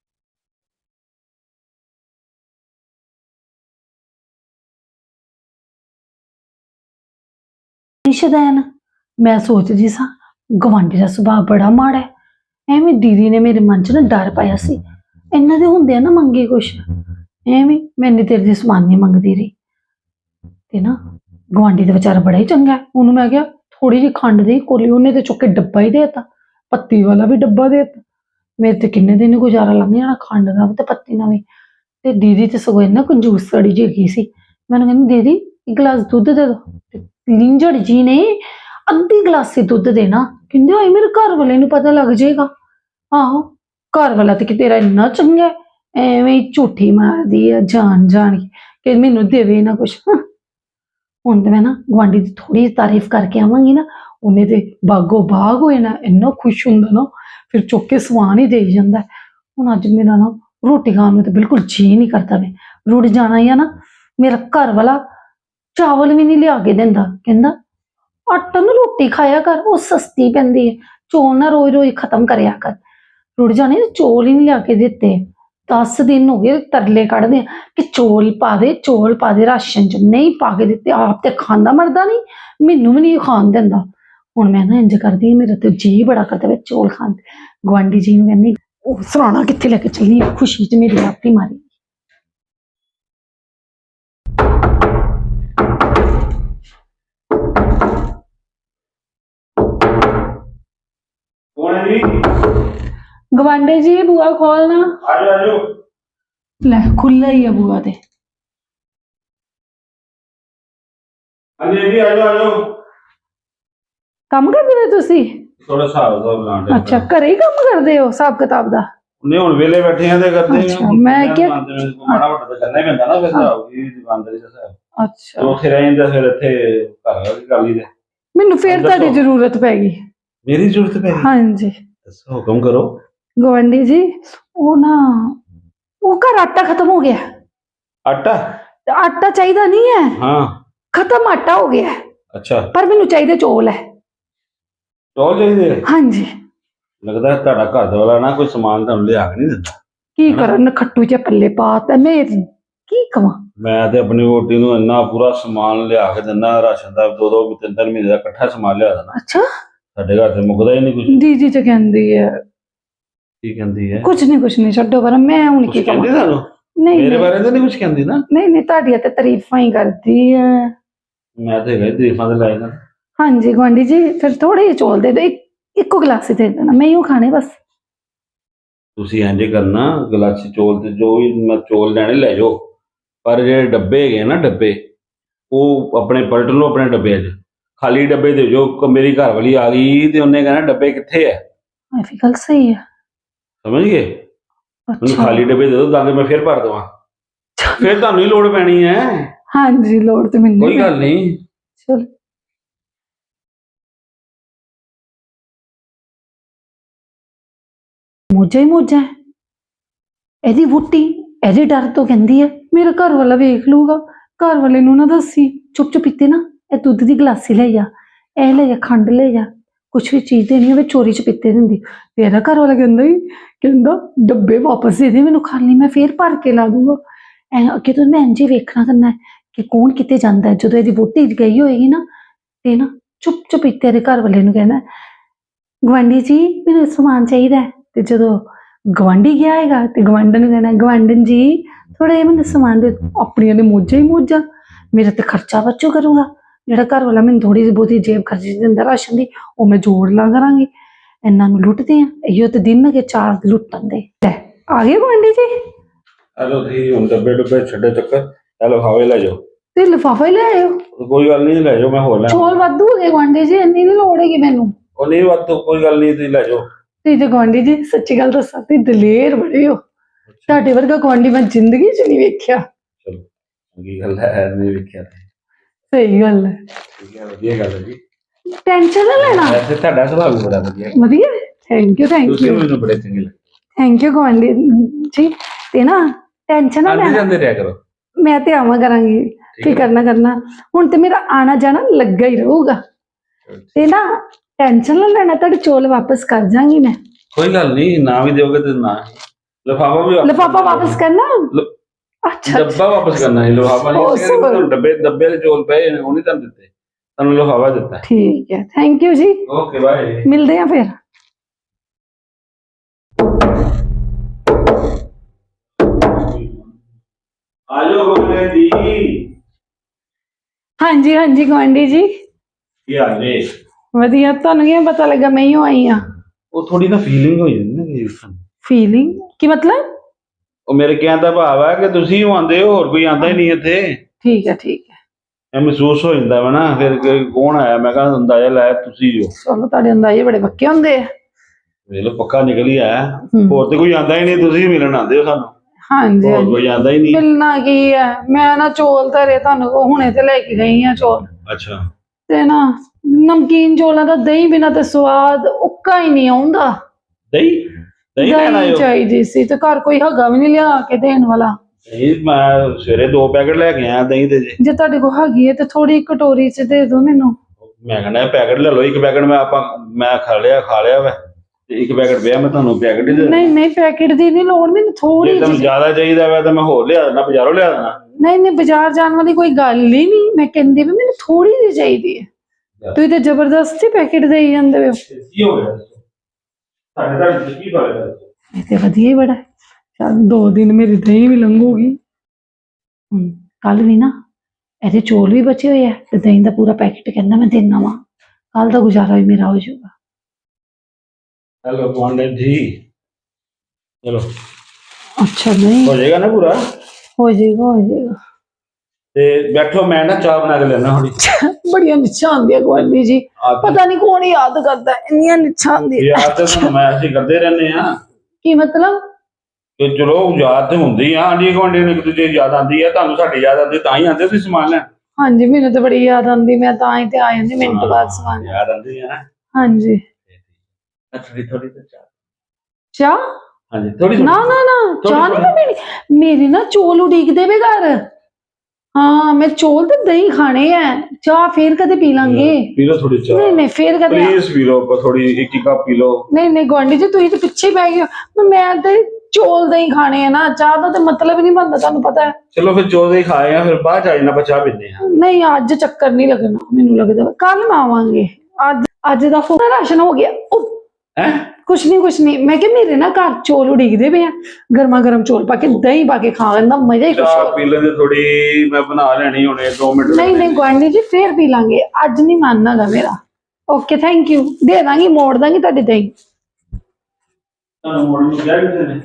S1: ਸ਼ਦੈਨ ਮੈਂ ਸੋਚਦੀ ਸਾਂ ਗਵਾਂਢੀ ਦਾ ਸੁਭਾਅ ਬੜਾ ਮਾੜਾ ਹੈ, ਐਵੇਂ ਦੀਦੀ ਨੇ ਮੇਰੇ ਮਨ 'ਚ ਨਾ ਡਰ ਪਾਇਆ ਸੀ, ਇਹਨਾਂ ਦੇ ਹੁੰਦੇ ਆ ਨਾ ਮੰਗੇ ਕੁਛ, ਐਵੇਂ ਮੈਂ ਇੰਨੀ ਦੇਰ ਦੀ ਸਮਾਨ ਨਹੀਂ ਮੰਗਦੀ ਰਹੀ। ਤੇ ਨਾ ਗਵਾਂਢੀ ਦਾ ਵਿਚਾਰਾ ਬੜਾ ਹੀ ਚੰਗਾ ਹੈ, ਉਹਨੂੰ ਮੈਂ ਕਿਹਾ ਥੋੜੀ ਜਿਹੀ ਖੰਡ ਦੀ ਕੋਲੀ, ਉਹਨੇ ਤੇ ਚੁੱਕ ਕੇ ਡੱਬਾ ਹੀ ਦੇਤਾ, ਪੱਤੀ ਵਾਲਾ ਵੀ ਡੱਬਾ ਦੇਤਾ। ਮੇਰੇ ਤੇ ਕਿੰਨੇ ਦਿਨ ਗੁਜ਼ਾਰਾ ਲੰਘ ਜਾਣਾ ਖੰਡ ਦਾ ਵੀ ਤੇ ਪੱਤੀ ਨਾਲ ਵੀ। ਤੇ ਦੀਦੀ ਤੇ ਸਗੋਂ ਇੰਨਾ ਕੰਜੂਸ ਸੜੀ ਜਿਹੀ ਹੈਗੀ ਸੀ, ਮੈਨੂੰ ਕਹਿੰਦੀ ਦੀਦੀ ਇੱਕ ਗਲਾਸ ਦੁੱਧ ਦੇ ਦੋ, ਲਿੰਜੜ ਜੀ ਨੇ ਅੱਧੀ ਗਲਾਸੀ ਦੁੱਧ ਦੇਣਾ, ਕਹਿੰਦੇ ਹੋਏ ਮੇਰੇ ਘਰ ਵਾਲੇ ਨੂੰ ਪਤਾ ਲੱਗ ਜਾਏਗਾ। ਆਹੋ ਘਰ ਵਾਲਾ ਤੇ ਕਿ ਤੇਰਾ ਇੰਨਾ ਚੰਗਾ, ਐਵੇਂ ਹੀ ਝੂਠੀ ਮਾਰਦੀ ਆ ਜਾਣ ਜਾਣ ਕੇ ਕਿ ਮੈਨੂੰ ਦੇਵੇ ਨਾ ਕੁਛ। ਹੁਣ ਤੇ ਮੈਂ ਨਾ ਗੁਆਂਢੀ ਦੀ ਥੋੜੀ ਜਿਹੀ ਤਾਰੀਫ ਕਰਕੇ ਆਵਾਂਗੀ ਨਾ, ਉਹਨੇ ਤੇ ਬਾਗੋ ਬਾਗ ਹੋਏ ਨਾ, ਇੰਨਾ ਖੁਸ਼ ਹੁੰਦਾ ਨਾ, ਫਿਰ ਚੁੱਕ ਕੇ ਸਵਾਨ ਹੀ ਦੇਈ ਜਾਂਦਾ। ਹੁਣ ਅੱਜ ਮੇਰਾ ਨਾ ਰੋਟੀ ਖਾਣ ਨੂੰ ਤੇ ਬਿਲਕੁਲ ਜੀ ਨਹੀਂ ਕਰਦਾ, ਮੈਂ ਰੁੜ ਜਾਣਾ ਹੀ ਆ ਨਾ। ਮੇਰਾ ਘਰ ਵਾਲਾ ਚਾਵਲ ਵੀ ਨਹੀਂ ਲਿਆ ਕੇ ਦਿੰਦਾ, ਕਹਿੰਦਾ ਆਟਾ ਨੂੰ ਰੋਟੀ ਖਾਇਆ ਕਰ, ਉਹ ਸਸਤੀ ਪੈਂਦੀ ਹੈ, ਚੌਲ ਨਾ ਰੋਜ਼ ਰੋਜ਼ ਖਤਮ ਕਰਿਆ ਕਰ। ਰੁੜ ਜਾਣੇ ਚੌਲ ਹੀ ਨਹੀਂ ਲਿਆ ਕੇ ਦਿੱਤੇ, ਦਸ ਦਿਨ ਹੋ ਗਏ ਤਰਲੇ ਕੱਢਦੇ ਆ ਕਿ ਚੌਲ ਪਾ ਦੇ ਚੌਲ ਪਾ ਦੇ ਰਾਸ਼ਨ 'ਚ, ਨਹੀਂ ਪਾ ਕੇ ਦਿੱਤੇ, ਆਪ ਤੇ ਖਾਂਦਾ ਮਰਦਾ ਨਹੀਂ, ਮੈਨੂੰ ਵੀ ਨਹੀਂ ਖਾਣ ਦਿੰਦਾ। ਹੁਣ ਮੈਂ ਨਾ ਇੰਜ ਕਰਦੀ ਹਾਂ, ਮੇਰਾ ਤੇ ਜੀ ਬੜਾ ਕਰਦਾ ਵੇ ਚੌਲ ਖਾਣ ਤੇ, ਗੁਆਂਢੀ ਜੀ ਨੂੰ ਕਹਿੰਦੀ ਉਹ ਸਰਾਣਾ ਕਿੱਥੇ ਲੈ ਕੇ ਚੱਲੀ, ਖੁਸ਼ੀ 'ਚ ਮੇਰੀ ਲਾਤੀ ਮਾਰੀ।
S2: ਕੌਣ ਹੈ ਜੀ?
S1: ਗਵਾਂਢੀ ਜੀ ਬੂਆ ਖੋਲਣਾ।
S2: ਆਜੋ ਆਜੋ।
S1: ਲੈ ਖੁੱਲਾ ਹੀ ਆ ਬੂਆ ਤੇ।
S2: ਹਾਂਜੀ ਜੀ ਆਜੋ ਆਜੋ।
S1: ਕੰਮ ਕਰਦੇ ਹੋ ਤੁਸੀਂ?
S2: ਥੋੜਾ ਹਿਸਾਬ ਦਾ ਬਣਾਉਂਦੇ
S1: ਅੱਛਾ ਘਰੇ ਹੀ ਕੰਮ ਕਰਦੇ ਹੋ ਹਿਸਾਬ ਕਿਤਾਬ ਦਾ?
S2: ਨਹੀਂ ਹੁਣ ਵੇਲੇ ਬੈਠੇ ਆ ਤੇ ਕਰਦੇ
S1: ਅੱਛਾ,
S2: ਆ।
S1: ਮੈਂ ਕਿਹਾ-
S2: ਮਾੜਾ ਮੋਟਾ ਤਾਂ ਕਰਨਾ ਹੀ ਪੈਂਦਾ ਨਾ, ਫਿਰ ਹਿਸਾਬ ਦੀ ਦੁਕਾਨਦਾਰੀ ਦਾ ਹਿਸਾਬ।
S1: ਅੱਛਾ
S2: ਉੱਥੇ ਰਹਿ ਜਾਂਦਾ ਫਿਰ ਇੱਥੇ ਘਰ ਵਾਲੀ ਕਰ ਲਈਦੇ।
S1: ਮੈਨੂੰ ਫਿਰ
S2: ਦੱਸੋ।
S1: ਤੁਹਾਡੀ ਜ਼ਰੂਰਤ ਪੈ ਗਈ।
S2: ਮੇਰੀ ਜ਼ਰੂਰਤ ਪੈ ਗਈ?
S1: ਹਾਂਜੀ
S2: ਦੱਸੋ ਹੁਕਮ ਕਰੋ।
S1: ਗਵਾਂਢੀ ਜੀ ਉਹ ਨਾ ਉਹ ਘਰ ਆਟਾ ਖਤਮ ਹੋ ਗਿਆ।
S2: ਆਟਾ?
S1: ਤੇ ਆਟਾ ਚਾਹੀਦਾ ਨਹੀਂ ਹੈ,
S2: ਹਾਂ
S1: ਖਤਮ ਆਟਾ ਹੋ ਗਿਆ,
S2: ਅੱਛਾ
S1: ਪਰ ਮੈਨੂੰ ਚਾਹੀਦੇ ਚੌਲ ਹੈ।
S2: ਚੌਲ ਚਾਹੀਦੇ ਆ?
S1: ਹਾਂਜੀ
S2: ਲੱਗਦਾ ਤੁਹਾਡਾ ਘਰ ਵਾਲਾ ਨਾ ਕੋਈ ਸਮਾਨ ਤੁਹਾਨੂੰ ਲਿਆ ਕੇ ਨਹੀਂ ਦਿੰਦਾ।
S1: ਕੀ ਕਰਨ, ਖੱਟੂ ਚ ਪੱਲੇ ਪਾਤਾ ਮੈਂ, ਕੀ ਕਵਾਂ।
S2: ਮੈਂ ਤੇ ਆਪਣੀ ਵੋਟੀ ਨੂੰ ਇੰਨਾ ਪੂਰਾ ਸਮਾਨ ਲਿਆ ਕੇ ਦਿੰਦਾ, ਰਾਸ਼ਨ ਦਾ ਦੋ ਦੋ ਤਿੰਨ ਤਿੰਨ ਮਹੀਨੇ ਦਾ ਇਕੱਠਾ ਸਮਾਨ ਲਿਆ ਦੇਣਾ।
S1: ਅੱਛਾ
S2: ਸਾਡੇ ਘਰ ਤੇ ਮੁੱਕਦਾ ਹੀ ਨਹੀਂ ਕੁਝ।
S1: ਦੀਦੀ ਤੇ ਕਹਿੰਦੀ ਹੈ।
S2: ਕੀ ਕਹਿੰਦੀ ਹੈ?
S1: ਕੁਛ ਨਹੀਂ ਕੁਛ ਨਹੀਂ ਛੱਡੋ ਪਰ, ਮੈਂ ਹੁਣ ਕੀ
S2: ਕੁਝ
S1: ਕਵਾਂ।
S2: ਕਹਿੰਦੀ ਤੁਹਾਨੂੰ?
S1: ਨਹੀਂ
S2: ਮੇਰੇ
S1: ਨਹੀਂ
S2: ਬਾਰੇ ਤਾਂ ਨਹੀਂ ਕੁਝ ਕਹਿੰਦੀ ਨਾ?
S1: ਨਹੀਂ ਨਹੀਂ ਤੁਹਾਡੀਆਂ ਤੇ ਤਾਰੀਫਾਂ ਹੀ ਕਰਦੀ ਹੈ।
S2: ਮੈਂ ਤੇ ਹੈਗਾ ਤਰੀਫਾਂ ਤੇ ਲਾਏ ਨਾ।
S1: ਹਾਂਜੀ ਗੁਆਂਢੀ ਜੀ ਫਿਰ ਥੋੜੇ ਜਿਹੇ ਚੌਲ ਦੇ ਦਿਓ, ਇੱਕ ਇੱਕੋ ਗਲਾਸ ਹੀ ਦੇ ਦੇਣਾ, ਮੈਂ ਹੀ ਖਾਣੇ ਬਸ।
S2: ਤੁਸੀਂ ਇੰਜ ਕਰਨਾ, ਗਲਾਸੀ ਚੌਲ ਤੇ ਜੋ ਵੀ ਮੈਂ ਚੌਲ ਲੈਣੇ ਲੈ ਜਾਓ, ਪਰ ਜਿਹੜੇ ਡੱਬੇ ਹੈਗੇ ਨਾ ਡੱਬੇ, ਉਹ ਆਪਣੇ ਪਲਟ ਲਓ ਆਪਣੇ ਡੱਬਿਆਂ 'ਚ, ਖਾਲੀ ਡੱਬੇ ਦੇ ਜੋ। ਮੇਰੀ ਘਰ ਵਾਲੀ ਆ ਗਈ ਤੇ ਉਹਨੇ ਕਹਿਣਾ ਡੱਬੇ ਕਿੱਥੇ ਆ?
S1: ਇਹ ਵੀ ਗੱਲ ਸਹੀ ਹੈ।
S2: ਸਮਝ ਗਏ? ਮੈਨੂੰ
S1: ਅੱਛਾ
S2: ਖਾਲੀ ਡੱਬੇ ਦੇ ਦਿਓ ਤਾਂ ਕਿ ਮੈਂ ਫਿਰ ਭਰ ਦੇਵਾਂ, ਫਿਰ ਤੁਹਾਨੂੰ ਹੀ ਲੋੜ ਪੈਣੀ ਹੈ।
S1: ਹਾਂਜੀ ਲੋੜ ਤੇ ਮੈਨੂੰ
S2: ਕੋਈ ਗੱਲ ਨਹੀਂ।
S1: ਚਲ ਮੋਜਾ ਹੀ ਮੋਜਾ ਹੈ ਇਹਦੀ ਵਹੁਟੀ, ਇਹਦੇ ਡਰ ਤੋਂ ਕਹਿੰਦੀ ਹੈ ਮੇਰਾ ਘਰ ਵਾਲਾ ਵੇਖ ਲੂਗਾ, ਘਰ ਵਾਲੇ ਨੂੰ ਨਾ ਦੱਸੀ, ਚੁੱਪ ਚੁਪੀਤੇ ਨਾ ਇਹ ਦੁੱਧ ਦੀ ਗਲਾਸੀ ਲੈ ਜਾ, ਇਹ ਲੈ ਜਾ ਖੰਡ ਲੈ ਜਾ, ਕੁਛ ਵੀ ਚੀਜ਼ ਦੇਣੀ ਹੋਵੇ ਚੋਰੀ ਚਪੀਤੇ ਦਿੰਦੀ। ਤੇ ਇਹਦਾ ਘਰ ਵਾਲਾ ਕਹਿੰਦਾ ਹੀ ਕਹਿੰਦਾ ਡੱਬੇ ਵਾਪਸ ਦੇ ਦੇ ਮੈਨੂੰ, ਖਾਲੀ ਮੈਂ ਫੇਰ ਭਰ ਕੇ ਲਾ ਦੂੰਗਾ। ਐ ਅੱਗੇ ਤੋਂ ਮੈਂ ਇੰਝ ਹੀ ਵੇਖਣਾ ਕਰਨਾ ਕਿ ਕੌਣ ਕਿਤੇ ਜਾਂਦਾ। ਜਦੋਂ ਇਹਦੀ ਵਹੁਟੀ ਗਈ ਹੋਏਗੀ ਨਾ ਤੇ ਨਾ ਚੁੱਪ ਚਪੀਤੇ ਦੇ ਘਰ ਵਾਲੇ ਨੂੰ ਕਹਿਣਾ ਗੁਆਂਢੀ ਜੀ ਮੈਨੂੰ ਸਮਾਨ ਚਾਹੀਦਾ ਹੈ। ਤੇ ਜਦੋਂ ਗਵਾਂਢੀ ਗਿਆ ਹੈਗਾ ਤੇ ਗਵਾਂਢਣ ਨੂੰ ਕਹਿਣਾ ਗਵਾਂਢਣ ਜੀ ਥੋੜਾ ਜਿਹਾ ਮੈਨੂੰ ਸਮਾਨ ਦੇ, ਆਪਣੀਆਂ ਦੇ ਮੋਜਾਂ ਹੀ ਮੋਜਾਂ, ਮੇਰਾ ਤੇ ਖਰਚਾ ਬਚੋ ਕਰੂਗਾ। ਜਿਹੜਾ ਘਰ ਵਾਲਾ ਮੈਨੂੰ ਥੋੜੀ ਜਿਹੀ ਬਹੁਤੀ ਜੇਬ ਖਰਚ ਦਿੰਦਾ ਰਾਸ਼ਨ ਦੀ, ਉਹ ਮੈਂ ਜੋੜ ਲਾ ਕਰਾਂਗੀ। ਇਹਨਾਂ ਨੂੰ ਲੁੱਟਦੇ ਆ, ਇਹੋ ਤੇ ਦਿਨ ਕੇ ਚਾਰ ਲੁੱਟਣ ਦੇ। ਲੈ ਆ ਗਏ ਗੁਆਂਢੀ ਜੀ।
S2: हेलो जी हम डब्बे डुब्बे छड्डे चक्कर हेलो खावे ले जाओ
S1: ਤੇ ਲਿਫਾਫਾ ਹੀ ਲੈ ਆਇਓ।
S2: कोई गल नहीं ले जाओ मैं होर
S1: ਚੌਲ
S2: लैंगा
S1: ਵਾਧੂ ਹੋ ਗਏ ਗੁਆਂਢੀ ਜੀ, ਇੰਨੀ ਨਹੀਂ ਲੋੜ ਹੈਗੀ ਮੈਨੂੰ।
S2: ਉਹ ਨਹੀਂ ਵੱਧ ਤੋਂ ਕੋਈ ਗੱਲ ਨਹੀਂ ਤੁਸੀਂ ਲੈ ਜਾਓ
S1: ਤੁਸੀਂ ਤੇ ਗੁਆਂਢੀ ਜੀ ਸੱਚੀ ਗੱਲ ਦੱਸਾਂ ਤੇ ਦਲੇਰ ਬੜੇ ਹੋ। ਤੁਹਾਡੇ ਵਰਗਾ ਗੁਆਂਢੀ ਮੈਂ ਜ਼ਿੰਦਗੀ 'ਚ ਨਹੀਂ ਵੇਖਿਆ।
S2: ਚਲੋ ਚੰਗੀ ਗੱਲ ਹੈ ਨਹੀਂ ਵੇਖਿਆ ਤੇ
S1: ਸਹੀ ਗੱਲ ਹੈ।
S2: ਠੀਕ ਹੈ ਵਧੀਆ ਗੱਲ ਹੈ ਜੀ
S1: ਟੈਨਸ਼ਨ ਨਾ ਲੈਣਾ।
S2: ਵੈਸੇ ਤੁਹਾਡਾ ਸੁਭਾਅ ਵੀ ਬੜਾ ਵਧੀਆ ਹੈ
S1: ਵਧੀਆ, ਥੈਂਕ ਯੂ ਥੈਂਕ
S2: ਤੁਸੀਂ
S1: ਯੂ
S2: ਮੈਨੂੰ ਬੜੇ ਚੰਗੇ ਲੱਗਦੇ
S1: ਥੈਂਕ ਯੂ ਗੁਆਂਢੀ ਜੀ। ਤੇ ਨਾ ਟੈਨਸ਼ਨ ਨਾ
S2: ਆਂਦੇ
S1: ਲੈਣਾ,
S2: ਜਾਂਦੇ ਰਿਹਾ ਕਰੋ
S1: ਮੈਂ ਤੇ ਆਵਾਂ ਕਰਾਂਗੀ, ਫਿਕਰ ਨਾ ਕਰਨਾ। ਹੁਣ ਤੇ ਮੇਰਾ ਆਣਾ ਜਾਣਾ ਲੱਗਾ ਹੀ ਰਹੂਗਾ। ਤੇ ਨਾ ਟੈਨਸ਼ਨ ਨਾ ਲੈਣਾ, ਤੁਹਾਡੇ ਚੌਲ ਵਾਪਸ ਕਰ ਜਾਵਾਂਗੀ ਮੈਂ।
S2: ਕੋਈ ਗੱਲ ਨਹੀਂ ਨਾ ਵੀ ਦਿਓਗੇ ਤੇ ਨਾ ਲਿਫਾਫਾ ਵੀ ਵਾਪਸ
S1: ਲਿਫਾਫਾ ਵਾਪਸ ਕਰਨਾ।
S2: ਲ-
S1: ਅੱਛਾ
S2: ਡੱਬਾ ਵਾਪਸ ਕਰਨਾ ਹੈ ਲਿਫਾਫਾ ਨਹੀਂ ਅਸੀਂ ਕਹਿੰਦੇ ਤੁਹਾਨੂੰ ਡੱਬੇ ਡੱਬੇ ਦੇ ਚੌਲ ਪਏ ਨੇ, ਉਹ ਨਹੀਂ ਤੁਹਾਨੂੰ ਦਿੱਤੇ ਤੁਹਾਨੂੰ ਲਿਫਾਫਾ ਦਿੱਤਾ
S1: ਠੀਕ ਹੈ, ਥੈਂਕ ਯੂ ਜੀ।
S2: ਓਕੇ ਬਾਏ
S1: ਮਿਲਦੇ ਆ ਫਿਰ।
S2: ਆ ਜਾਓ ਗੋਲੇ ਜੀ
S1: ਹਾਂਜੀ ਹਾਂਜੀ ਗੁਆਂਢੀ ਜੀ
S2: ਕੀ ਹਾਲ ਨੇ
S1: ਵਧੀਆ। ਤੁਹਾਨੂੰ ਕਿਵੇਂ ਪਤਾ ਲੱਗਾ ਮੈਂ ਹੀ ਆਈ ਆ?
S2: ਉਹ ਥੋੜੀ ਨਾ ਫੀਲਿੰਗ ਹੋ ਜਾਂਦੀ ਨਾ ਕਿ
S1: ਫੀਲਿੰਗ ਕੀ ਮਤਲਬ?
S2: ਉਹ ਮੇਰੇ ਕਹਿਣ ਦਾ ਭਾਵ ਹੈ ਕਿ ਤੁਸੀਂ ਹੀ ਆਉਂਦੇ ਹੋ, ਹੋਰ ਕੋਈ ਆਉਂਦਾ ਹੀ ਨਹੀਂ ਇੱਥੇ।
S1: ਠੀਕ ਹੈ ਠੀਕ ਹੈ,
S2: ਇਹ ਮਹਿਸੂਸ ਹੋ ਜਾਂਦਾ ਵਾ ਨਾ ਫਿਰ ਕਿ ਕੌਣ ਆਇਆ, ਮੈਂ ਕਹਿੰਦਾ ਅੰਦਾਜ਼ਾ ਲਾਇਆ ਤੁਸੀਂ ਹੋ।
S1: ਚਲੋ ਤੁਹਾਡੇ ਅੰਦਾਜ਼ੇ ਬੜੇ ਪੱਕੇ ਹੁੰਦੇ ਆ।
S2: ਵੇਖ ਲਓ ਪੱਕਾ ਨਿਕਲ ਹੀ ਆਇਆ,
S1: ਹਮ,
S2: ਹੋਰ ਤੇ ਕੋਈ ਆਉਂਦਾ ਹੀ ਨਹੀਂ, ਤੁਸੀਂ ਹੀ ਮਿਲਣ ਆਉਂਦੇ ਹੋ ਸਾਨੂੰ,
S1: ਹਾਂਜੀ
S2: ਹੋਰ
S1: ਹਾਂਜੀ।
S2: ਕੋਈ ਆਉਂਦਾ ਹੀ ਨਹੀਂ।
S1: ਮਿਲਣਾ ਕੀ ਹੈ, ਮੈਂ ਨਾ ਚੌਲ ਧਰੇ ਤੁਹਾਨੂੰ ਹੁਣੇ ਤੇ ਲੈ ਕੇ ਗਈ ਆ ਚੌਲ।
S2: ਅੱਛਾ
S1: ਤੇ ਨਾ ਨਮਕੀਨ ਚੌਲਾਂ ਦਾ ਦਹੀਂ ਬਿਨਾਂ ਤੇ ਸਵਾਦ ਉੱਕਾ ਹੀ ਨਹੀਂ ਆਉਂਦਾ।
S2: ਦਹੀਂ ਦਹੀਂ ਲੈਣ
S1: ਦਹੀਂ
S2: ਆਇਓ?
S1: ਚਾਹੀਦੀ ਸੀ ਤੇ ਘਰ ਕੋਈ ਹੈਗਾ ਵੀ ਨਹੀਂ ਲਿਆ ਕੇ ਦੇਣ ਵਾਲਾ।
S2: ਨਹੀਂ ਮੈਂ ਸਵੇਰੇ ਦੋ ਪੈਕਟ ਲੈ ਕੇ ਆਇਆ ਦਹੀਂ ਦੇ ਜੇ।
S1: ਜੇ ਤੁਹਾਡੇ ਕੋਲ ਹੈਗੀ ਹੈ ਤੇ ਥੋੜੀ ਕਟੋਰੀ ਚ ਦੇ ਦਿਓ ਮੈਨੂੰ।
S2: ਮੈਂ ਕਹਿੰਦਾ ਪੈਕਟ ਲੈ ਲਓ, ਇੱਕ ਪੈਕਟ ਮੈਂ ਆਪਾਂ ਮੈਂ ਖਾ ਲਿਆ ਖਾ ਲਿਆ ਵਾ ਤੇ ਇੱਕ ਪੈਕਟ ਪਿਆ, ਮੈਂ ਤੁਹਾਨੂੰ ਪੈਕਟ ਹੀ ਦੇ
S1: ਨਹੀਂ ਨਹੀਂ ਪੈਕੇਟ ਦੀ ਨਹੀਂ ਲੋੜ ਮੈਨੂੰ, ਥੋੜੀ
S2: ਜੇ ਤੁਹਾਨੂੰ
S1: ਜਿਹੀ।
S2: ਜ਼ਿਆਦਾ ਚਾਹੀਦਾ ਵਾ ਤਾਂ ਮੈਂ ਹੋਰ ਲਿਆ ਦੇਣਾ, ਬਾਜ਼ਾਰੋਂ ਲਿਆ ਦੇਣਾ।
S1: ਨਹੀਂ ਨਹੀਂ ਬਾਜ਼ਾਰ ਜਾਣ ਵਾਲੀ ਕੋਈ ਗੱਲ ਹੀ ਨਹੀਂ, ਮੈਂ ਕਹਿੰਦੀ ਵੀ ਮੈਨੂੰ ਥੋੜੀ ਜਿਹੀ ਚਾਹੀਦੀ ਹੈ। ਤੁਸੀਂ ਤੇ ਜ਼ਬਰਦਸਤੀ ਪੈਕੇਟ ਦੇਈ ਜਾਂਦੇ ਹੋ।
S2: ਕੀ ਹੋ ਗਿਆ ਸਾਡੇ ਘਰ ਕੀ ਹੋਇਆ?
S1: ਇਹ ਤੇ ਵਧੀਆ ਹੀ ਬੜਾ ਹੈ। ਚੱਲ ਦੋ ਦਿਨ ਮੇਰੀ ਦਹੀਂ ਵੀ ਲੰਘੂਗੀ। ਹੁਣ ਕੱਲ ਵੀ ਨਾ ਇਹਦੇ ਚੌਲ ਵੀ ਬਚੇ ਹੋਏ ਆ ਤੇ ਦਹੀਂ ਦਾ ਪੂਰਾ ਪੈਕੇਟ ਕਹਿੰਦਾ ਮੈਂ ਦੇਣਾ ਵਾ। ਕੱਲ ਦਾ ਗੁਜ਼ਾਰਾ ਵੀ ਮੇਰਾ ਹੋ ਜਾਊਗਾ।
S2: हेलो पंडित जी चलो
S1: ਅੱਛਾ ਨਹੀਂ
S2: हो जाएगा ना पूरा
S1: ਹੋ ਜਾਏਗਾ ਹੋ ਜਾਏਗਾ।
S2: ते बैठो मैं ना चाय बना के लेना थोड़ी
S1: ਬੜੀਆਂ ਨਿੱਛਾਂ ਆਉਂਦੀਆਂ ਗੁਆਂਢੀ ਜੀ, ਪਤਾ ਨਹੀਂ ਕੌਣ ਯਾਦ ਕਰਦਾ ਇੰਨੀਆਂ ਨਿੱਛਾਂ ਆਉਂਦੀਆਂ।
S2: याद तो तुहानू मैं ऐसे करते रहने हैं
S1: ਕੀ ਮਤਲਬ?
S2: कि चलो याद तो होंदी है आंडी गुआंढी ने एक दूजे याद आती है, तुहानू साडी याद आती तां ही आंदे तुसीं समान लैण।
S1: ਹਾਂਜੀ ਮੈਨੂੰ ਤਾਂ ਬੜੀ ਯਾਦ ਆਉਂਦੀ, ਮੈਂ ਤਾਂ ਹੀ ਤੇ ਆ ਜਾਂਦੀ ਮਿੰਟ ਬਾਅਦ ਸਮਾਨ।
S2: याद आती है ना
S1: ਹਾਂਜੀ
S2: थोड़ी थोड़ी तो चाय
S1: ਚਾਹ?
S2: हाँ जी थोड़ी
S1: ਨਾ ਨਾ ਨਾ ਚਾਹ ਨਹੀਂ ਮੈਂ ਪੀਣੀ। ਮੇਰੀ ਨਾ ਚੌਲ ਉਡੀਕਦੇ ਵੇ ਘਰ। ਹਾਂ ਮੈਂ ਚੌਲ ਤੇ ਦਹੀਂ ਖਾਣੇ ਆ, ਚਾਹ ਫੇਰ ਕਦੇ ਪੀ ਲਾਂਗੇ।
S2: पी लो थोड़ी चाय
S1: ਨਹੀਂ ਨਹੀਂ ਫੇਰ ਕਦੇ।
S2: प्लीज पी लो थोड़ी एक ही कप पी लो।
S1: ਨਹੀਂ ਨਹੀਂ ਗੁਆਂਢੀ ਜੀ ਤੁਸੀਂ ਤੇ ਪਿੱਛੇ ਪੈ ਗਏ ਹੋ। ਮੈਂ ਤੇ ਚੌਲ ਦਹੀਂ ਖਾਣੇ ਆ ਨਾ, ਚਾਹ ਦਾ ਤੇ ਮਤਲਬ ਹੀ ਨਹੀਂ ਬਣਦਾ ਤੁਹਾਨੂੰ ਪਤਾ ਹੈ।
S2: चलो फिर चौदह ही खाए हैं, फिर बाद च ना चाह पीने हैं।
S1: ਨਹੀਂ ਅੱਜ ਚੱਕਰ ਨਹੀਂ ਲੱਗਣਾ ਮੈਨੂੰ ਲੱਗਦਾ, ਕੱਲ ਮੈਂ ਆਵਾਂਗੇ। ਅੱਜ ਅੱਜ ਦਾ ਫੋਨ ਰਾਸ਼ਨ ਹੋ ਗਿਆ। ਉਹ
S2: हैं
S1: ਕੁਛ ਨਹੀਂ ਕੁਛ ਨਹੀਂ, ਮੈਂ ਕਿ ਮੇਰੇ ਨਾ ਘਰ ਚੌਲ ਉਡੀਕਦੇ ਪਏ ਆ, ਗਰਮਾ ਗਰਮ ਚੌਲ ਪਾ ਕੇ ਦਹੀਂ ਪਾ ਕੇ ਖਾਣ ਦਾ ਮਜ਼ਾ ਹੀ ਕੁਛ
S2: चाह
S1: ਹੋਰ।
S2: पी लेंगे थोड़ी, मैं बना लेनी हुणे दो मिनट
S1: ਨਹੀਂ ਨਹੀਂ ਗੁਆਂਢੀ ਜੀ ਫੇਰ ਪੀ ਲਾਂਗੇ, ਅੱਜ ਨਹੀਂ ਮੰਨਣਾ ਗਾ ਮੇਰਾ। ਓਕੇ ਥੈਂਕ ਯੂ, ਦੇ ਦਾਂਗੀ ਮੋੜ ਦਾਂਗੀ ਤੁਹਾਡੀ ਦਹੀਂ।
S2: ਤੁਹਾਨੂੰ ਮੋੜਨ ਨੂੰ ਕਿਹਾ ਕਿਸੇ ਨੇ?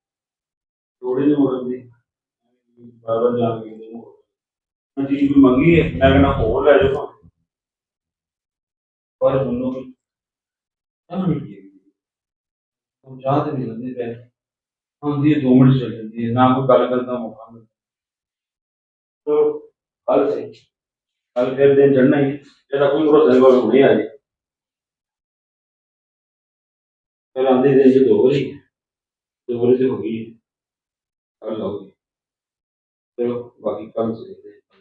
S2: ਥੋੜੀ ਜਿਹੀ ਮੋੜਨ ਦੀ ਬਾਰ ਬਾਰ ਜਾ ਕੇ ਕਿਤੇ ਮੋੜ ਮੈਂ ਚੀਜ਼ ਕੋਈ ਮੰਗੀ ਹੈ, ਮੈਂ ਕਹਿੰਦਾ ਹੋਰ ਲੈ ਜਾਓ ਪਰ ਸੁਣੋ ਵੀ ਤਾਂ ਨਹੀਂ ਕੀ ਉਹ ਚਾਹ ਤੇ ਨਹੀਂ ਲੈਂਦੇ ਪੈ ਆਉਂਦੀ ਹੈ ਦੋ ਮਿੰਟ ਚੱਲ ਜਾਂਦੀ ਹੈ, ਨਾ ਕੋਈ ਗੱਲ ਕਰਨ ਦਾ ਮੌਕਾ ਮਿਲਦਾ। ਤੋ ਕੱਲ ਸੇ ਕੱਲ ਫਿਰ ਦਿਨ ਚੜ੍ਹਨਾ ਹੀ ਇਹਦਾ ਕੋਈ ਭਰੋਸਾ ਨਹੀਂ, ਕੋਈ ਹੁਣੇ ਆ ਜੇ ਫਿਰ ਆਉਂਦੇ ਦਿਨ ਚ ਦੋ ਵਾਰੀ ਦੋ ਵਾਰੀ ਤੇ ਹੋ ਗਈ ਕੱਲ ਆਉਗੀ। चलो बाकी कल से देखते हैं।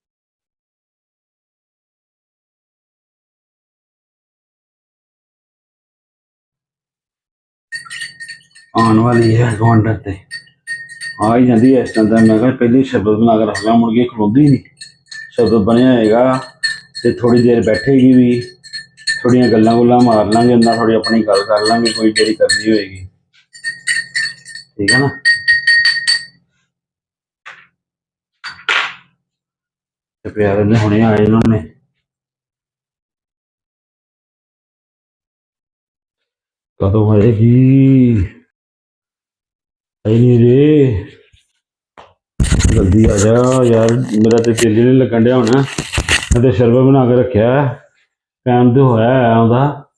S2: आने वाली है गवांडर ते आ ही जाती है इस टाइम। मैं कहा पहले शब्द बना कर रख ला, मुड़ के खलोंदी नहीं, शब्द बनया होएगा तो थोड़ी देर बैठेगी भी, थोड़ियां गल्लां गुल्लां मार लांगे, ना थोड़ी अपनी गल कर लांगे कोई जेह्ड़ी करनी होएगी, ठीक है ना। प्यारे ने हुणे आए इन्होंने कदों आएगी आई नहीं रे। जल्दी आ जा यार, मेरा तो दिल नहीं लगन दिया होना। मैं तो शरबत बना के रखा है, टाइम तो होया है ਉਹਦਾ।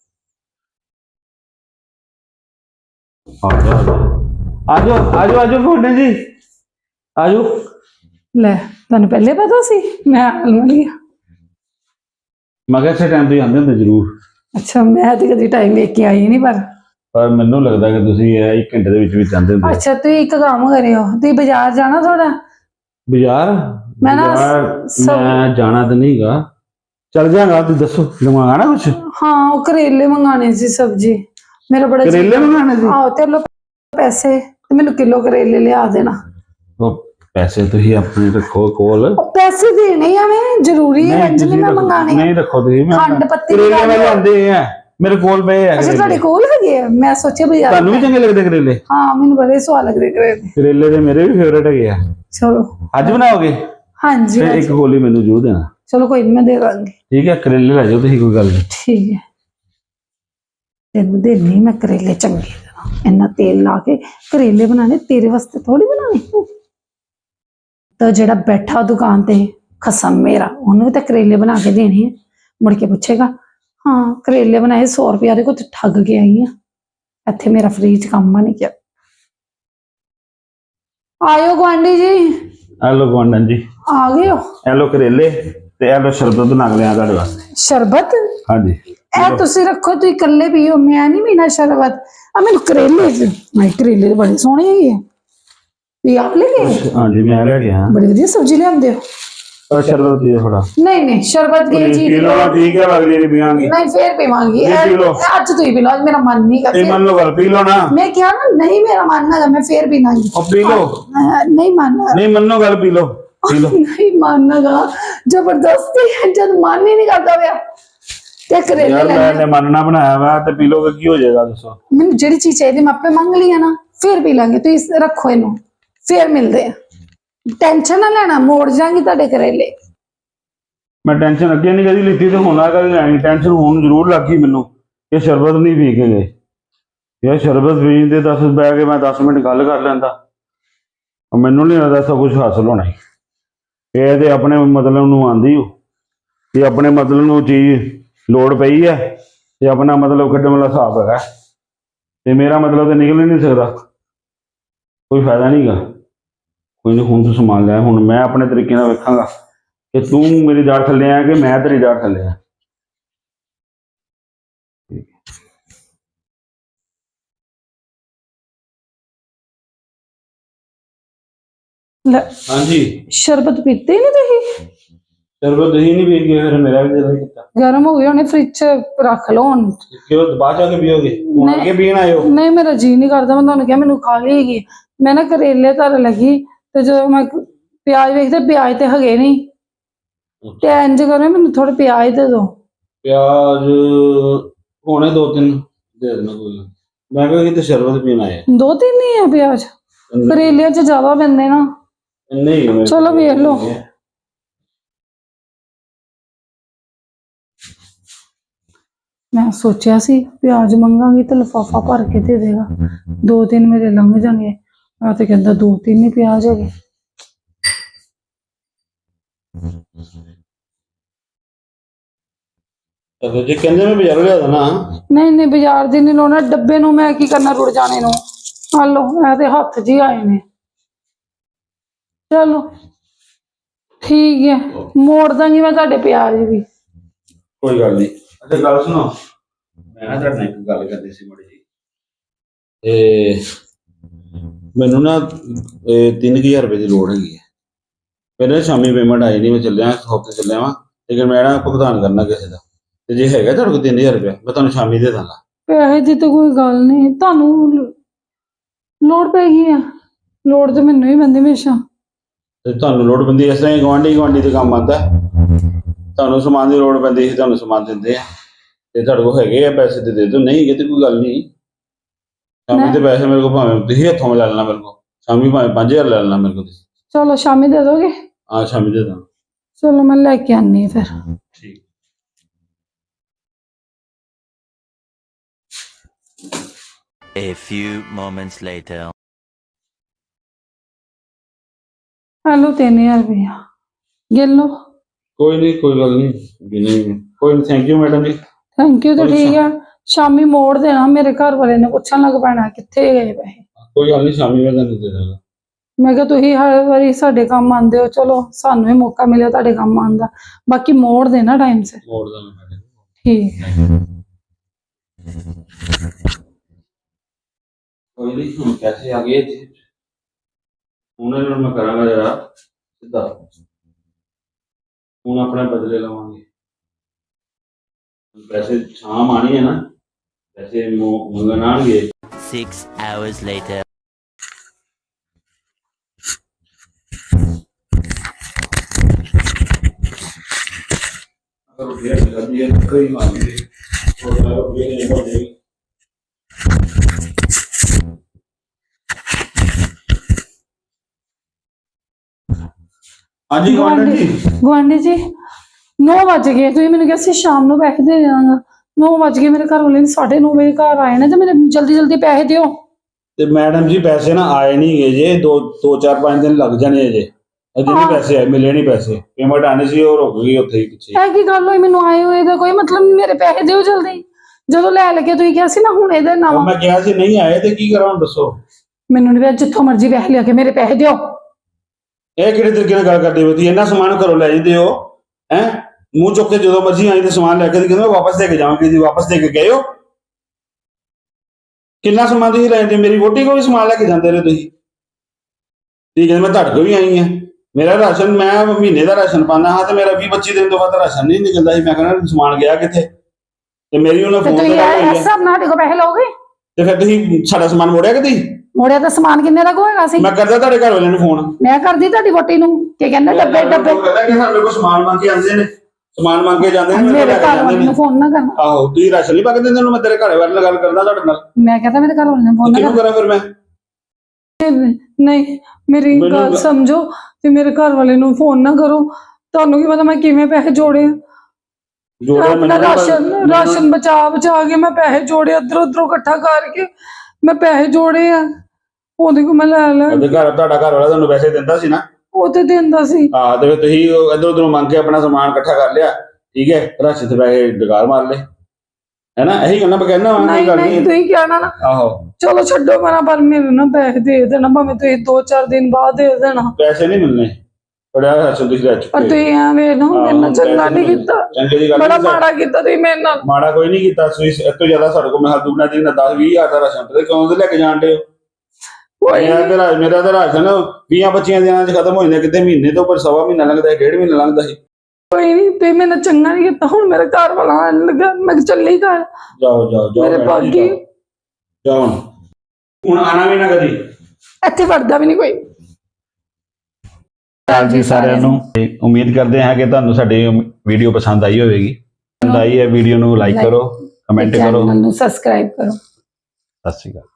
S2: आ जा आ जाओ आ जाओ आ जाओ गोल्डन जी, आ जाओ।
S1: ਲੈ ਤੁਹਾਨੂੰ ਪਹਿਲੇ ਪਤਾ ਸੀ ਮੈਂ ਆਉਣ ਵਾਲੀ ਆ?
S2: मैं क्या इसे टाइम तो आते ਹੁੰਦੇ ਜ਼ਰੂਰ,
S1: ਅੱਛਾ ਮੈਂ ਤੇ ਕਦੀ ਟਾਈਮ ਵੇਖ ਕੇ ਆਈ ਨਹੀਂ ਪਰ
S2: ਪਰ ਮੈਨੂੰ ਲੱਗਦਾ ਕਿ ਤੁਸੀਂ ਇਹ ਇੱਕ ਘੰਟੇ ਦੇ ਵਿੱਚ ਵਿੱਚ ਆਉਂਦੇ ਹੁੰਦੇ।
S1: ਅੱਛਾ ਤੁਸੀਂ ਇੱਕ ਕੰਮ ਕਰਿਓ, ਤੁਸੀਂ ਬਾਜ਼ਾਰ ਜਾਣਾ ਥੋੜਾ।
S2: ਬਾਜ਼ਾਰ
S1: ਮੈਂ ਨਾ
S2: ਬਾਜ਼ਾਰ
S1: ਸਭ-
S2: ਮੈਂ ਜਾਣਾ ਤਾਂ ਨਹੀਂਗਾ, ਚੱਲ ਜਾਗਾ। ਤੁਸੀਂ ਦੱਸੋ ਲਵਾਂਗਾ ਨਾ ਕੁਛ?
S1: ਹਾਂ ਉਹ ਕਰੇਲੇ ਮੰਗਾਣੇ ਸੀ, ਸਬਜੀ ਮੇਰਾ ਬੜਾ ਜੀ-
S2: ਕਰੇਲੇ ਮੰਗਾਣੇ ਸੀ?
S1: ਆਹੋ ਤੇ ਲੋ ਪੈਸੇ ਤੇ ਮੈਨੂੰ ਕਿਲੋ ਕਰੇਲੇ ਲਿਆ ਦੇਣਾ।
S2: ਉਹ ਪੈਸੇ ਤੁਸੀਂ ਆਪਣੇ ਰੱਖੋ ਕੋਲ।
S1: ਉਹ ਪੈਸੇ ਦੇਣੇ ਆ ਮੈਂ, ਜ਼ਰੂਰੀ ਹੈ ਅੰਜ ਨਹੀਂ
S2: ਤੁਸੀਂ
S1: ਮੈਂ
S2: ਰੱਖੋ-
S1: ਮੰਗਾਣੇ।
S2: ਨਹੀਂ ਰੱਖੋ ਤੁਸੀਂ, ਮੈਂ
S1: ਖੰਡ ਪੱਤੀ
S2: ਕਰੇਲੇ
S1: ਮੰਗਾ
S2: ਮੈਂ
S1: ਲਓ।
S2: ਲਿਆਂਦੇ ਆ ਮੇਰੇ ਕੋਲ ਪਏ ਆ
S1: ਅੱਛਾ
S2: ਕਰੇਲੇ।
S1: ਤੁਹਾਡੇ ਕੋਲ ਹੈਗੇ ਆ? ਮੈਂ ਸੋਚਿਆ ਬਾਜ਼ਾਰ।
S2: ਤੁਹਾਨੂੰ ਵੀ ਚੰਗੇ ਲੱਗਦੇ ਕਰੇਲੇ?
S1: ਹਾਂ ਮੈਨੂੰ ਬੜੇ ਸਵਾਦ ਲੱਗਦੇ ਕਰੇਲੇ।
S2: ਕਰੇਲੇ ਦੇ ਮੇਰੇ ਵੀ ਫੇਵਰੇਟ ਹੈਗੇ ਆ।
S1: ਚਲੋ
S2: ਅੱਜ ਬਣਾਓਗੇ?
S1: ਹਾਂਜੀ
S2: ਤੇ ਇੱਕ ਗੋਲੀ ਮੈਨੂੰ ਜ਼ਰੂਰ ਦੇਣਾ।
S1: ਚਲੋ ਕੋਈ ਨਹੀਂ ਮੈਂ ਦੇ ਦਾਂਗੀ।
S2: ਠੀਕ ਹੈ, ਕਰੇਲੇ ਲੈ ਜਾਓ ਤੁਸੀਂ, ਕੋਈ ਗੱਲ ਨਹੀਂ।
S1: ਠੀਕ ਹੈ ਤੈਨੂੰ ਦੇਣੀ ਮੈਂ ਕਰੇਲੇ ਚੰਗੇ ਤਰ੍ਹਾਂ, ਇੰਨਾ ਤੇਲ ਲਾ ਕੇ ਕਰੇਲੇ ਬਣਾਣੇ, ਤੇਰੇ ਵਾਸਤੇ ਥੋੜੀ ਬਣਾਣੇ। ਤਾਂ ਜਿਹੜਾ ਬੈਠਾ ਦੁਕਾਨ ਤੇ ਖਸਮ ਮੇਰਾ, ਉਹਨੂੰ ਵੀ ਤਾਂ ਕਰੇਲੇ ਬਣਾ ਕੇ ਦੇਣੇ ਆ। ਮੁੜ ਕੇ ਪੁੱਛੇਗਾ ਹਾਂ ਕਰੇਲੇ ਬਣਾਏ ਸੌ ਰੁਪਇਆ ਦੇ, ਕੁਝ ਠੱਗ ਕੇ ਆਈ ਆ। ਇੱਥੇ ਮੇਰਾ ਫ੍ਰੀ ਚ ਕੰਮ ਨਹੀਂ ਕਿਹਾ। ਆਇਓ ਗੁਆਂਢੀ ਜੀ।
S2: ਹੈਲੋ ਗਵਾਂਡਨ ਜੀ,
S1: ਆ ਗਏ ਹੋ?
S2: ਹੈਲੋ ਕਰੇਲੇ ਤੇ ਹੈਲੋ ਸ਼ਰਬਤ ਬਣਾ ਕੇ ਲਿਆ ਤੁਹਾਡੇ ਵਾਸਤੇ।
S1: ਸ਼ਰਬਤ
S2: ਹਾਂਜੀ
S1: ਇਹ ਤੁਸੀਂ ਰੱਖੋ, ਤੁਸੀਂ ਇਕੱਲੇ ਪੀਓ, ਮੈਂ ਨਹੀਂ ਪੀਣਾ ਸ਼ਰਬਤ। ਆ ਮੈਨੂੰ ਕਰੇਲੇ ਚ ਮੈਂ ਕਰੇਲੇ ਬੜੇ ਸੋਹਣੇ ਹੈਗੇ ਆ, ਤੁਸੀਂ ਆਪ ਲੈ ਗਏ?
S2: ਹਾਂਜੀ ਮੈਂ ਲੈ ਗਿਆ।
S1: ਬੜੀ ਵਧੀਆ ਸਬਜ਼ੀ ਲਿਆਉਂਦੇ ਹੋ।
S2: ਪਰ ਸ਼ਰਬਤ ਪੀਓ ਥੋੜਾ।
S1: ਨਹੀਂ ਨਹੀਂ ਸ਼ਰਬਤ ਦੀ ਜੀ
S2: ਪੀ ਲਓ, ਠੀਕ ਹੈ, ਅਗਲੀ ਨਹੀਂ ਪੀਵਾਂਗੇ।
S1: ਨਹੀਂ ਫੇਰ ਪੀਵਾਂਗੀ।
S2: ਨਹੀਂ, ਪੀ ਲਓ।
S1: ਇਹ- ਅੱਜ ਤੁਸੀਂ ਪੀ ਲਓ, ਅੱਜ ਮੇਰਾ ਮਨ ਨਹੀਂ
S2: ਤੇ ਮੰਨ
S1: ਕਰਦਾ।
S2: ਲਓ ਗੱਲ, ਪੀ ਲਓ ਨਾ।
S1: ਮੈਂ ਕਿਹਾ ਨਾ ਨਹੀਂ ਮੇਰਾ ਮਨ ਹੈਗਾ, ਮੈਂ ਫੇਰ ਪੀਵਾਂਗੀ।
S2: ਉਹ ਪੀ ਲਓ।
S1: ਅਹ, ਨਹੀਂ ਮਨ
S2: ਨਹੀਂ ਮੰਨੋ ਗੱਲ, ਪੀ ਲਓ ਪੀ ਲਓ।
S1: ਨਹੀਂ ਮਨ ਹੈਗਾ ਜ਼ਬਰਦਸਤੀ ਹੈ, ਜਦ ਮਨ ਹੀ ਨਹੀਂ ਕਰਦਾ ਪਿਆ ਤੇ ਕਰੇਲੇ
S2: ਯਾਰ
S1: ਲੈਣੇ।
S2: ਮੈਂ ਮੰਨਣਾ ਬਣਾਇਆ ਵਾ ਤੇ ਪੀ ਲੋਗੇ, ਕੀ ਹੋ ਜਾਏਗਾ ਦੱਸੋ?
S1: ਮੈਨੂੰ ਜਿਹੜੀ ਚੀਜ਼ ਚਾਹੀਦੀ ਮੈਂ ਆਪੇ ਮੰਗ ਲਈ ਹੈ ਨਾ, ਫੇਰ ਪੀ ਲਾਂਗੇ। ਤੁਸੀਂ ਰੱਖੋ ਇਹਨੂੰ, ਫੇਰ ਮਿਲਦੇ ਆ। ਟੈਨਸ਼ਨ ਨਾ ਲੈਣਾ, ਮੋੜ ਜਾਾਂਗੀ ਤੁਹਾਡੇ ਕਰੇਲੇ।
S2: ਮੈਂ ਟੈਨਸ਼ਨ ਅੱਗੇ ਨਹੀਂ ਕਦੀ ਲਿੱਤੀ ਤੇ ਹੁਣ ਆ ਕਦੀ ਲੈਣੀ। ਟੈਨਸ਼ਨ ਹੁਣ ਜ਼ਰੂਰ ਲੱਗੀ ਮੈਨੂੰ ਕਿ ਸ਼ਰਬਤ ਨਹੀਂ ਪੀ ਕੇ ਗਏ। ਯਾਰ ਸ਼ਰਬਤ ਪੀਣ ਦੇ ਦਸ ਬਹਿ ਕੇ ਮੈਂ ਦਸ ਮਿੰਟ ਗੱਲ ਕਰ ਲੈਂਦਾ। ਮੈਨੂੰ ਨਹੀਂ ਲੱਗਦਾ ਸਭ ਕੁਝ ਹਾਸਲ ਹੋਣਾ। ਇਹ ਤੇ ਆਪਣੇ ਮਤਲਬ ਨੂੰ ਆਂਦੀ ਹੋ ਕਿ ਆਪਣੇ ਮਤਲਬ ਨੂੰ ਚੀਜ਼ ਲੋੜ ਪਈ ਹੈ ਤੇ ਆਪਣਾ ਮਤਲਬ ਕੱਢਣ ਵਾਲਾ ਹਿਸਾਬ ਹੈਗਾ, ਤੇ ਮੇਰਾ ਮਤਲਬ ਤੇ ਨਿਕਲ ਹੀ ਨਹੀਂ ਸਕਦਾ। ਕੋਈ ਫਾਇਦਾ ਨਹੀਂਗਾ। ਕੋਈ ਨਹੀਂ, ਹੁਣ ਤੂੰ ਸਮਾਨ ਲੈ। ਹੁਣ ਮੈਂ ਆਪਣੇ ਤਰੀਕੇ ਨਾਲ ਵੇਖਾਂਗਾ ਕਿ ਤੂੰ ਮੇਰੀ ਜੜ ਥੱਲੇ ਆ ਕਿ ਮੈਂ ਤੇਰੀ ਜੜ ਥੱਲੇ ਆ।
S1: ਲੈ
S2: ਹਾਂਜੀ
S1: ਸ਼ਰਬਤ ਪੀਤੇ ਨਹੀਂ ਤੁਸੀਂ?
S2: ਸ਼ਰਬਤ ਤੁਸੀਂ ਨਹੀਂ ਪੀ ਕੇ ਫਿਰ ਮੇਰਾ ਵੀ ਦਿਲ ਨਹੀਂ ਕੀਤਾ।
S1: ਗਰਮ ਹੋ ਗਏ ਹੋਣੇ, ਫ੍ਰਿਜ ਚ ਰੱਖ ਲਓ ਹੁਣ।
S2: ਕਿਉਂ ਬਾਅਦ ਜਾ ਕੇ ਪੀਓਗੇ? ਹੁਣ
S1: ਨਹੀਂ।
S2: ਅੱਗੇ ਪੀਣ ਆਇਓ?
S1: ਨਹੀਂ ਮੇਰਾ ਜੀ ਨਹੀਂ ਕਰਦਾ, ਮੈਂ ਤੁਹਾਨੂੰ ਕਿਹਾ ਮੈਨੂੰ ਖਾ ਲਈਗੀ। ਮੈਂ ਨਾ ਕਰੇਲੇ ਧਰ ਲੱਗੀ ਤੇ ਜਦੋਂ ਮੈਂ ਪਿਆਜ਼ ਵੇਖਦੇ, ਪਿਆਜ਼ ਤੇ ਹੈਗੇ ਨਹੀਂ। ਤੇ ਇੰਜ ਕਰੋ ਮੈਨੂੰ ਥੋੜੇ ਪਿਆਜ਼ ਦੇ ਦਿਓ।
S2: ਪਿਆਜ਼ ਹੋਣੇ ਦੋ ਤਿੰਨ ਦੇ ਦੇਣਾ ਕੋਈ। ਮੈਂ ਕਿਹਾ ਕਿਤੇ ਸ਼ਰਬਤ ਪੀਣ ਆਏ।
S1: ਦੋ ਤਿੰਨ ਹੀ ਆ ਪਿਆਜ਼, ਕਰੇਲਿਆਂ ਚ ਜ਼ਿਆਦਾ ਪੈਂਦੇ ਨਾ।
S2: ਨਹੀਂ
S1: ਚਲੋ ਵੇਖ ਲਓ। ਮੈਂ ਸੋਚਿਆ ਸੀ ਪਿਆਜ਼ ਮੰਗਾਂਗੀ ਤੇ ਲਿਫਾਫਾ ਭਰ ਕੇ ਦੇ ਦੇਗਾ, ਦੋ ਤਿੰਨ ਮੇਰੇ ਲੰਘ ਜਾਣਗੇ। ਆ ਤੇ ਕਹਿੰਦਾ ਦੋ ਤਿੰਨ ਹੀ ਪਿਆਜ਼ ਹੈਗੇ।
S2: ਚਲੋ ਜੇ ਕਹਿੰਦੇ ਮੈਂ ਬਾਜ਼ਾਰੋਂ ਲਿਆ ਦੇਣਾ।
S1: ਨਹੀਂ ਨਹੀਂ ਬਾਜ਼ਾਰ ਦੀ ਨਹੀਂ ਲਾਉਣਾ, ਡੱਬੇ ਨੂੰ ਮੈਂ ਕੀ ਕਰਨਾ ਰੁੜ ਜਾਣੇ ਨੂੰ। ਆ ਲਓ, ਇਹ ਤੇ ਹੱਥ 'ਚ ਹੀ ਆਏ ਨੇ। ਚਲੋ ਠੀਕ ਹੈ, ਮੋੜ ਦਾਂਗੀ ਮੈਂ ਤੁਹਾਡੇ ਪਿਆਜ਼ ਵੀ।
S2: ਕੋਈ ਗੱਲ ਨਹੀਂ। ਅੱਛਾ ਗੱਲ ਸੁਣੋ, ਮੈਂ ਨਾ ਤੁਹਾਡੇ ਨਾਲ ਇੱਕ ਗੱਲ ਕਰਨੀ ਸੀ ਮਾੜੀ ਜੀ। ਤੇ ਮੈਨੂੰ ਨਾ ਤਿੰਨ ਕੁ ਹਜ਼ਾਰ ਰੁਪਏ ਦੀ ਲੋੜ ਹੈਗੀ ਹੈ। ਮੇਰੇ ਸ਼ਾਮੀ ਪੇਮੈਂਟ ਆਈ ਨਹੀਂ, ਮੈਂ ਚੱਲਿਆ ਹਫ਼ਤੇ ਚੱਲਿਆ ਵਾਂ, ਲੇਕਿਨ ਮੈਂ ਨਾ ਭੁਗਤਾਨ ਕਰਨਾ ਕਿਸੇ ਦਾ। ਤੇ ਜੇ ਹੈਗਾ ਤੁਹਾਡੇ ਕੋਲ ਤਿੰਨ ਹਜ਼ਾਰ ਰੁਪਇਆ, ਮੈਂ ਤੁਹਾਨੂੰ ਸ਼ਾਮੀ ਦੇ ਦਾਂਗਾ।
S1: ਪੈਸੇ ਦੀ ਤਾਂ ਕੋਈ ਗੱਲ ਨਹੀਂ, ਤੁਹਾਨੂੰ ਲੋੜ ਪੈ ਗਈ ਆ। ਲੋੜ ਤਾਂ ਮੈਨੂੰ ਹੀ ਪੈਂਦੀ ਹਮੇਸ਼ਾ।
S2: ਤੇ ਤੁਹਾਨੂੰ ਲੋੜ ਪੈਂਦੀ ਇਸ ਤਰ੍ਹਾਂ ਹੀ ਗੁਆਂਢੀ ਗੁਆਂਢੀ ਤੇ ਕੰਮ ਆਉਂਦਾ। ਤੁਹਾਨੂੰ ਸਮਾਨ ਦੀ ਲੋੜ ਪੈਂਦੀ ਸੀ, ਤੁਹਾਨੂੰ ਸਮਾਨ ਦਿੰਦੇ ਆ। ਤੇ ਤੁਹਾਡੇ ਕੋਲ ਹੈਗੇ ਆ ਪੈਸੇ ਤੇ ਦੇ ਦਿਓ, ਨਹੀਂ ਹੈਗੇ ਤੇ ਕੋਈ ਗੱਲ ਨਹੀਂ। ਸ਼ਾਮੀ ਦੇ ਪੈਸੇ ਮੇਰੇ ਕੋਲ ਭਾਵੇਂ ਤੁਸੀਂ ਹੱਥੋਂ ਲੈ ਲੈਣਾ ਮੇਰੇ ਕੋਲ, ਸ਼ਾਮੀ ਭਾਵੇਂ ਪੰਜ ਹਜ਼ਾਰ ਲੈ ਲੈਣਾ ਮੇਰੇ ਕੋਲ।
S1: ਚਲੋ ਸ਼ਾਮੀ ਦੇ ਦੋਗੇ?
S2: ਹਾਂ ਸ਼ਾਮੀ ਦੇ ਦਾਂ।
S1: ਚਲੋ ਮੈਂ ਲੈ ਕੇ ਆਨੀ ਹਾਂ ਫਿਰ।
S2: ਠੀਕ।
S3: A few moments later.
S1: Hello तीन हजार रुपया गिन लो।
S2: कोई नहीं कोई गल नहीं गिनेंगे कोई नहीं थैंक यू मैडम जी
S1: थैंक यू तो
S2: अच्छा।
S1: ठीक है शामी मोड़ देना मेरे घर वाले ने पुछन लग पैना कित्थे गए पैसे।
S2: कोई गल नहीं शामी मैं तुहानू दे दांगा
S1: मैं कहा तुसीं हर वारी साडे काम आंदे हो चलो सानू भी मौका मिले तुहाडे काम आउण दा बाकी मोड़ देना टाइम से।
S2: मोड़ दांगा मैडम
S1: ठीक है
S2: कोई नहीं हम पैसे आ गए थे ਉਹਨਾਂ ਨਾਲ ਮੈਂ ਕਰਾਂਗਾ ਜਰਾ ਸਿੱਧਾ ਹੁਣ ਆਪਣੇ ਬਦਲੇ ਲਵਾਂਗੇ ਪੈਸੇ ਸ਼ਾਮ ਆਣੀ ਹੈ ਨਾ ਪੈਸੇ ਮੰਗਣ ਆਣਗੇ।
S3: Six hours later.
S2: अगर रुपया मिला दिए तो कोई मांगे और रुपये नहीं हो जाएगी। हाँ जी गवांडर जी
S1: ਗੁਆਂਢੀ ਜੀ नौ ਵਜ ਗਏ ਤੁਸੀਂ ਮੈਨੂੰ ਕਿਹਾ ਸੀ ਸ਼ਾਮ ਨੂੰ ਪੈਸੇ ਦੇ ਦੇਵਾਂਗਾ नौ ਵਜ ਗਏ ਮੇਰੇ ਘਰ ਵਾਲੇ ਨੇ ਸਾਢੇ ਨੌ ਵਜੇ ਘਰ ਆਏ ਨੇ ਤੇ ਮੇਰੇ ਜਲਦੀ ਜਲਦੀ ਪੈਸੇ ਦਿਓ।
S2: ਤੇ ਮੈਡਮ ਜੀ ਪੈਸੇ ਨਾ ਆਏ ਨਹੀਂ ਗਏ ਜੇ ਦੋ ਦੋ ਚਾਰ ਪੰਜ ਦਿਨ ਲੱਗ ਜਾਣੇ ਅਜੇ ਅਜੇ ਨਹੀਂ ਪੈਸੇ ਆਏ ਮਿਲੇ ਨਹੀਂ ਪੈਸੇ ਪੇਮੈਂਟ ਆਣੀ ਸੀ ਉਹ ਰੁਕ ਗਈ ਉੱਥੇ ਹੀ ਪਿੱਛੇ।
S1: ਇਹ ਕੀ ਗੱਲ ਹੋਈ ਮੈਨੂੰ ਆਏ ਹੋਏ ਦਾ ਕੋਈ ਮਤਲਬ ਨੀ, ਮੇਰੇ ਪੈਸੇ ਦਿਓ ਜਲਦੀ ਜਦੋਂ ਲੈ ਲਗੇ ਤੁਸੀਂ ਕਿਹਾ ਸੀ ਨਾ ਹੁਣ ਇਹਦੇ
S2: ਉਹ
S1: ਨਵਾਂ
S2: ਮੈਂ ਕਿਹਾ ਸੀ ਨਹੀਂ ਆਏ ਤੇ ਕੀ ਕਰਾਂ ਹੁਣ ਦੱਸੋ।
S1: ਮੈਨੂੰ ਨਹੀਂ ਪਤਾ ਜਿੱਥੋਂ ਮਰਜ਼ੀ ਪੈਸੇ ਲਿਆ ਕੇ ਮੇਰੇ ਪੈਸੇ ਦਿਓ।
S2: ਇਹ ਕਿਹੜੇ ਤਰੀਕੇ ਨਾਲ ਗੱਲ ਕਰਦੇ ਹੋ ਤੁਸੀਂ ਇੰਨਾ ਸਮਾਨ ਘਰੋਂ ਲੈ ਜਾਂਦੇ ਹੋ ਹੈ ਮੂੰਹ ਚੁੱਕ ਕੇ ਜਦੋਂ ਮਰਜ਼ੀ ਆਈ ਤੇ ਸਮਾਨ ਲੈ ਕੇ ਤੇ ਕਹਿੰਦੇ ਮੈਂ ਵਾਪਸ ਦੇ ਕੇ ਜਾਵਾਂਗੀ ਜੀ ਵਾਪਸ ਦੇ ਕੇ ਗਏ ਹੋ ਕਿੰਨਾ ਸਮਾਨ ਤੁਸੀਂ ਲੈ ਜਾਂਦੇ ਮੇਰੀ ਵੋਟੀ ਕੋਲ ਵੀ ਸਮਾਨ ਲੈ ਕੇ ਜਾਂਦੇ ਰਹੇ ਤੁਸੀਂ ਠੀਕ ਹੈ ਮੈਂ ਤੁਹਾਡੇ ਕੋਲ ਵੀ ਆਈ ਹਾਂ ਮੇਰਾ ਰਾਸ਼ਨ ਮੈਂ ਮਹੀਨੇ ਦਾ ਰਾਸ਼ਨ ਪਾਉਂਦਾ ਹਾਂ ਤੇ ਮੇਰਾ ਵੀਹ ਪੱਚੀ ਦਿਨ ਤੋਂ ਬਾਅਦ ਰਾਸ਼ਨ ਨਹੀਂ ਨਿਕਲਦਾ ਸੀ ਮੈਂ ਕਹਿੰਦਾ ਸਮਾਨ ਗਿਆ ਕਿੱਥੇ ਤੇ ਮੇਰੀ ਉਹਨਾਂ
S1: ਤੇ
S2: ਫੋਨ
S1: ਤੁਸੀਂ
S2: ਤੇ ਗੱਲ ਹੋਈ
S1: ਇਹ
S2: ਹੈ
S1: ਸਭ ਨਾਟੇ ਕੋ ਪੈਸੇ ਲਓਗੇ
S2: ਤੇ ਫਿਰ ਤੁਸੀਂ ਸਾਡਾ ਸਮਾਨ ਮੋੜਿਆ ਕਿ ਤੁਸੀਂ
S1: ਮੋੜਿਆ ਤਾਂ ਸਮਾਨ ਕਿੰਨੇ ਦਾ ਹੋਏਗਾ ਸੀ
S2: ਮੈਂ ਕਰਦਾ ਤੁਹਾਡੇ ਘਰ ਵਾਲਿਆਂ ਨੂੰ ਫੋਨ
S1: ਮੈਂ ਕਰਦੀ ਤੁਹਾਡੀ ਵੋਟੀ ਨੂੰ ਕਿ ਕਹਿੰਦਾ ਡੱਬੇ ਡੱਬੇ
S2: ਕਹਿੰਦਾ ਕਿ ਸਾਡੇ ਕੋਲ ਸਮਾਨ ਮੰਗ ਕੇ ਆਉਂਦੇ ਨੇ ਸਮਾਨ ਮੰਗ ਕੇ ਜਾਂਦੇ ਨੇ ਮੇਰੇ
S1: ਮੇਰੇ
S2: ਕੋਲ
S1: ਘਰ
S2: ਜਾਂਦੇ
S1: ਵਾਲੇ
S2: ਨੇ
S1: ਨੂੰ ਫੋਨ ਨਾ ਕਰਨਾ।
S2: ਆਹੋ ਤੁਸੀਂ ਰਾਸ਼ਨ ਨਹੀਂ ਪਾ ਕੇ ਦਿੰਦੇ ਨੂੰ ਮੈਂ ਤੇਰੇ ਘਰ ਵਾਲੇ ਨਾਲ ਗੱਲ ਕਰਦਾ ਤੁਹਾਡੇ ਨਾਲ
S1: ਮੈਂ ਕਹਿੰਦਾ ਮੇਰੇ ਘਰ ਵਾਲੇ ਨੂੰ ਫੋਨ ਨਾ
S2: ਕਿਹਨੂੰ ਕਰਾਂ ਫਿਰ ਮੈਂ
S1: ਕਰਨਾ। ਨਹੀਂ ਮੇਰੀ
S2: ਮੈਨੂੰ
S1: ਗੱਲ
S2: ਗ-
S1: ਸਮਝੋ ਤੇ ਮੇਰੇ ਘਰ ਵਾਲੇ ਨੂੰ ਫੋਨ ਨਾ ਕਰੋ ਤੁਹਾਨੂੰ ਕੀ ਪਤਾ ਮੈਂ ਕਿਵੇਂ ਪੈਸੇ ਜੋੜੇ ਆ।
S2: ਜੋੜਿਆ
S1: ਆਪਣਾ
S2: ਮੈਨੂੰ
S1: ਰਾਸ਼ਨ ਰਾਸ਼ਨ ਬਚਾ ਬਚਾ ਕੇ ਮੈਂ ਪੈਸੇ ਜੋੜੇ ਇੱਧਰੋਂ ਉੱਧਰੋਂ ਇਕੱਠਾ ਕਰਕੇ ਮੈਂ ਪੈਸੇ ਜੋੜੇ ਆ ਉਹਦੇ ਕੋ ਮੈਂ ਲੈ ਲੈ
S2: ਉਹਦੇ ਘਰ ਤੁਹਾਡਾ ਘਰ ਵਾਲਾ ਤੁਹਾਨੂੰ ਪੈਸੇ ਦਿੰਦਾ ਸੀ ਨਾ
S1: ਉਹ ਤੇ ਦਿੰਦਾ ਸੀ।
S2: ਹਾਂ ਤੇ ਫਿਰ ਤੁਸੀਂ ਇਧਰ ਉਧਰੋਂ ਮੰਗ ਕੇ ਆਪਣਾ ਸਮਾਨ ਇਕੱਠਾ ਕਰ ਲਿਆ ਠੀਕ ਹੈ ਰਾਸ਼ਨ ਤੇ ਪੈਸੇ ਡਕਾਰ ਮਾਰ ਲਏ ਹੈ ਨਾ ਇਹੀ ਗੱਲ ਮੈਂ ਕਹਿਣਾ ਵਾਂ
S1: ਨਹੀਂ
S2: ਕੋਈ ਗੱਲ
S1: ਨਹੀਂ
S2: ਨਹੀਂ
S1: ਤੁਸੀਂ ਕਹਿਣਾ ਨਾ
S2: ਆਹੋ
S1: ਚਲੋ ਛੱਡੋ ਮਨਾ ਪਰ ਮੇਰੇ ਨਾ ਪੈਸੇ ਦੇ ਦੇਣਾ ਭਾਵੇਂ ਤੁਸੀਂ ਦੋ ਚਾਰ ਦਿਨ ਬਾਅਦ ਦੇ ਦੇਣਾ
S2: ਪੈਸੇ ਨਹੀਂ ਮਿਲਣੇ ਬੜਾ ਰਾਸ਼ਨ ਤੁਸੀਂ ਲੈ
S1: ਪਰ
S2: ਚੁੱਕੇ
S1: ਤੁਸੀਂ ਐਵੇਂ ਨਾ ਮੇਰੇ ਨਾਲ ਚੰਗਾ ਨਹੀਂ ਕੀਤਾ
S2: ਚੰਗੇ ਦੀ ਗੱਲ
S1: ਬੜਾ
S2: ਨਹੀਂ
S1: ਮਾੜਾ ਕੀਤਾ ਤੁਸੀਂ ਮੇਰੇ ਨਾਲ।
S2: ਮਾੜਾ ਕੋਈ ਨਹੀਂ ਕੀਤਾ ਤੁਸੀਂ ਇਸ ਤੋਂ ਜ਼ਿਆਦਾ ਸਾਡੇ ਕੋਲ ਮੈਂ ਦੁਗਣਾ ਜੀ ਦਸ ਵੀਹ ਹਜ਼ਾਰ ਦਾ ਰਾਸ਼ਨ ਤੇ ਕਿਉਂ ਦੇ ਲੈ ਕੇ ਜਾਣਦੇ ਹੋ
S1: ਕੋਈ
S2: ਮੇਰਾ ਤੇ ਰਾ- ਮੇਰਾ ਤਾਂ ਰਾਸ਼ਨ ਵੀਹਾਂ ਪੱਚੀਆਂ ਦਿਨਾਂ ਚ ਖਤਮ ਹੋ ਜਾਂਦਾ ਕਿਤੇ ਮਹੀਨੇ ਤੋਂ ਉੱਪਰ ਸਵਾ ਮਹੀਨਾ ਲੰਘਦਾ ਸੀ ਡੇਢ ਮਹੀਨਾ ਲੰਘਦਾ ਸੀ।
S1: ਕੋਈ ਨਹੀਂ ਤੁਸੀਂ ਮੇਰੇ ਨਾਲ ਚੰਗਾ ਨਹੀਂ ਕੀਤਾ ਹੁਣ ਮੇਰੇ ਘਰ ਵਾਲਾ ਆਉਣ ਲੱਗਾ ਮੈਂ ਕਿਹਾ ਚੱਲੀ ਘਰ
S2: ਜਾਓ ਜਾਓ ਜਾਓ
S1: ਮੇਰੇ
S2: ਭੈਣ ਜੀ,
S1: ਬਾਗੀ
S2: ਜਾਓ ਹੁਣ ਹੁਣ ਆਣਾ ਵੀ ਨਾ ਕਦੀ।
S1: ਇੱਥੇ ਵੜਦਾ ਵੀ ਨਹੀਂ ਕੋਈ।
S2: ਸਤਿ ਜੀ ਸਾਰਿਆਂ ਨੂੰ ਤੇ ਉਮੀਦ ਕਰਦੇ ਹਾਂ ਕਿ ਤੁਹਾਨੂੰ ਸਾਡੀ ਵੀਡੀਓ ਪਸੰਦ ਆਈ ਹੋਵੇਗੀ ਪਸੰਦ ਆਈ ਹੈ ਵੀਡੀਓ ਨੂੰ ਲਾਈਕ ਕਰੋ ਕਮੈਂਟ ਕਰੋ
S1: ਚੈਨਲ ਨੂੰ ਸਬਸਕ੍ਰਾਈਬ ਕਰੋ।
S2: ਸਤਿ ਸ਼੍ਰੀ ਅਕਾਲ।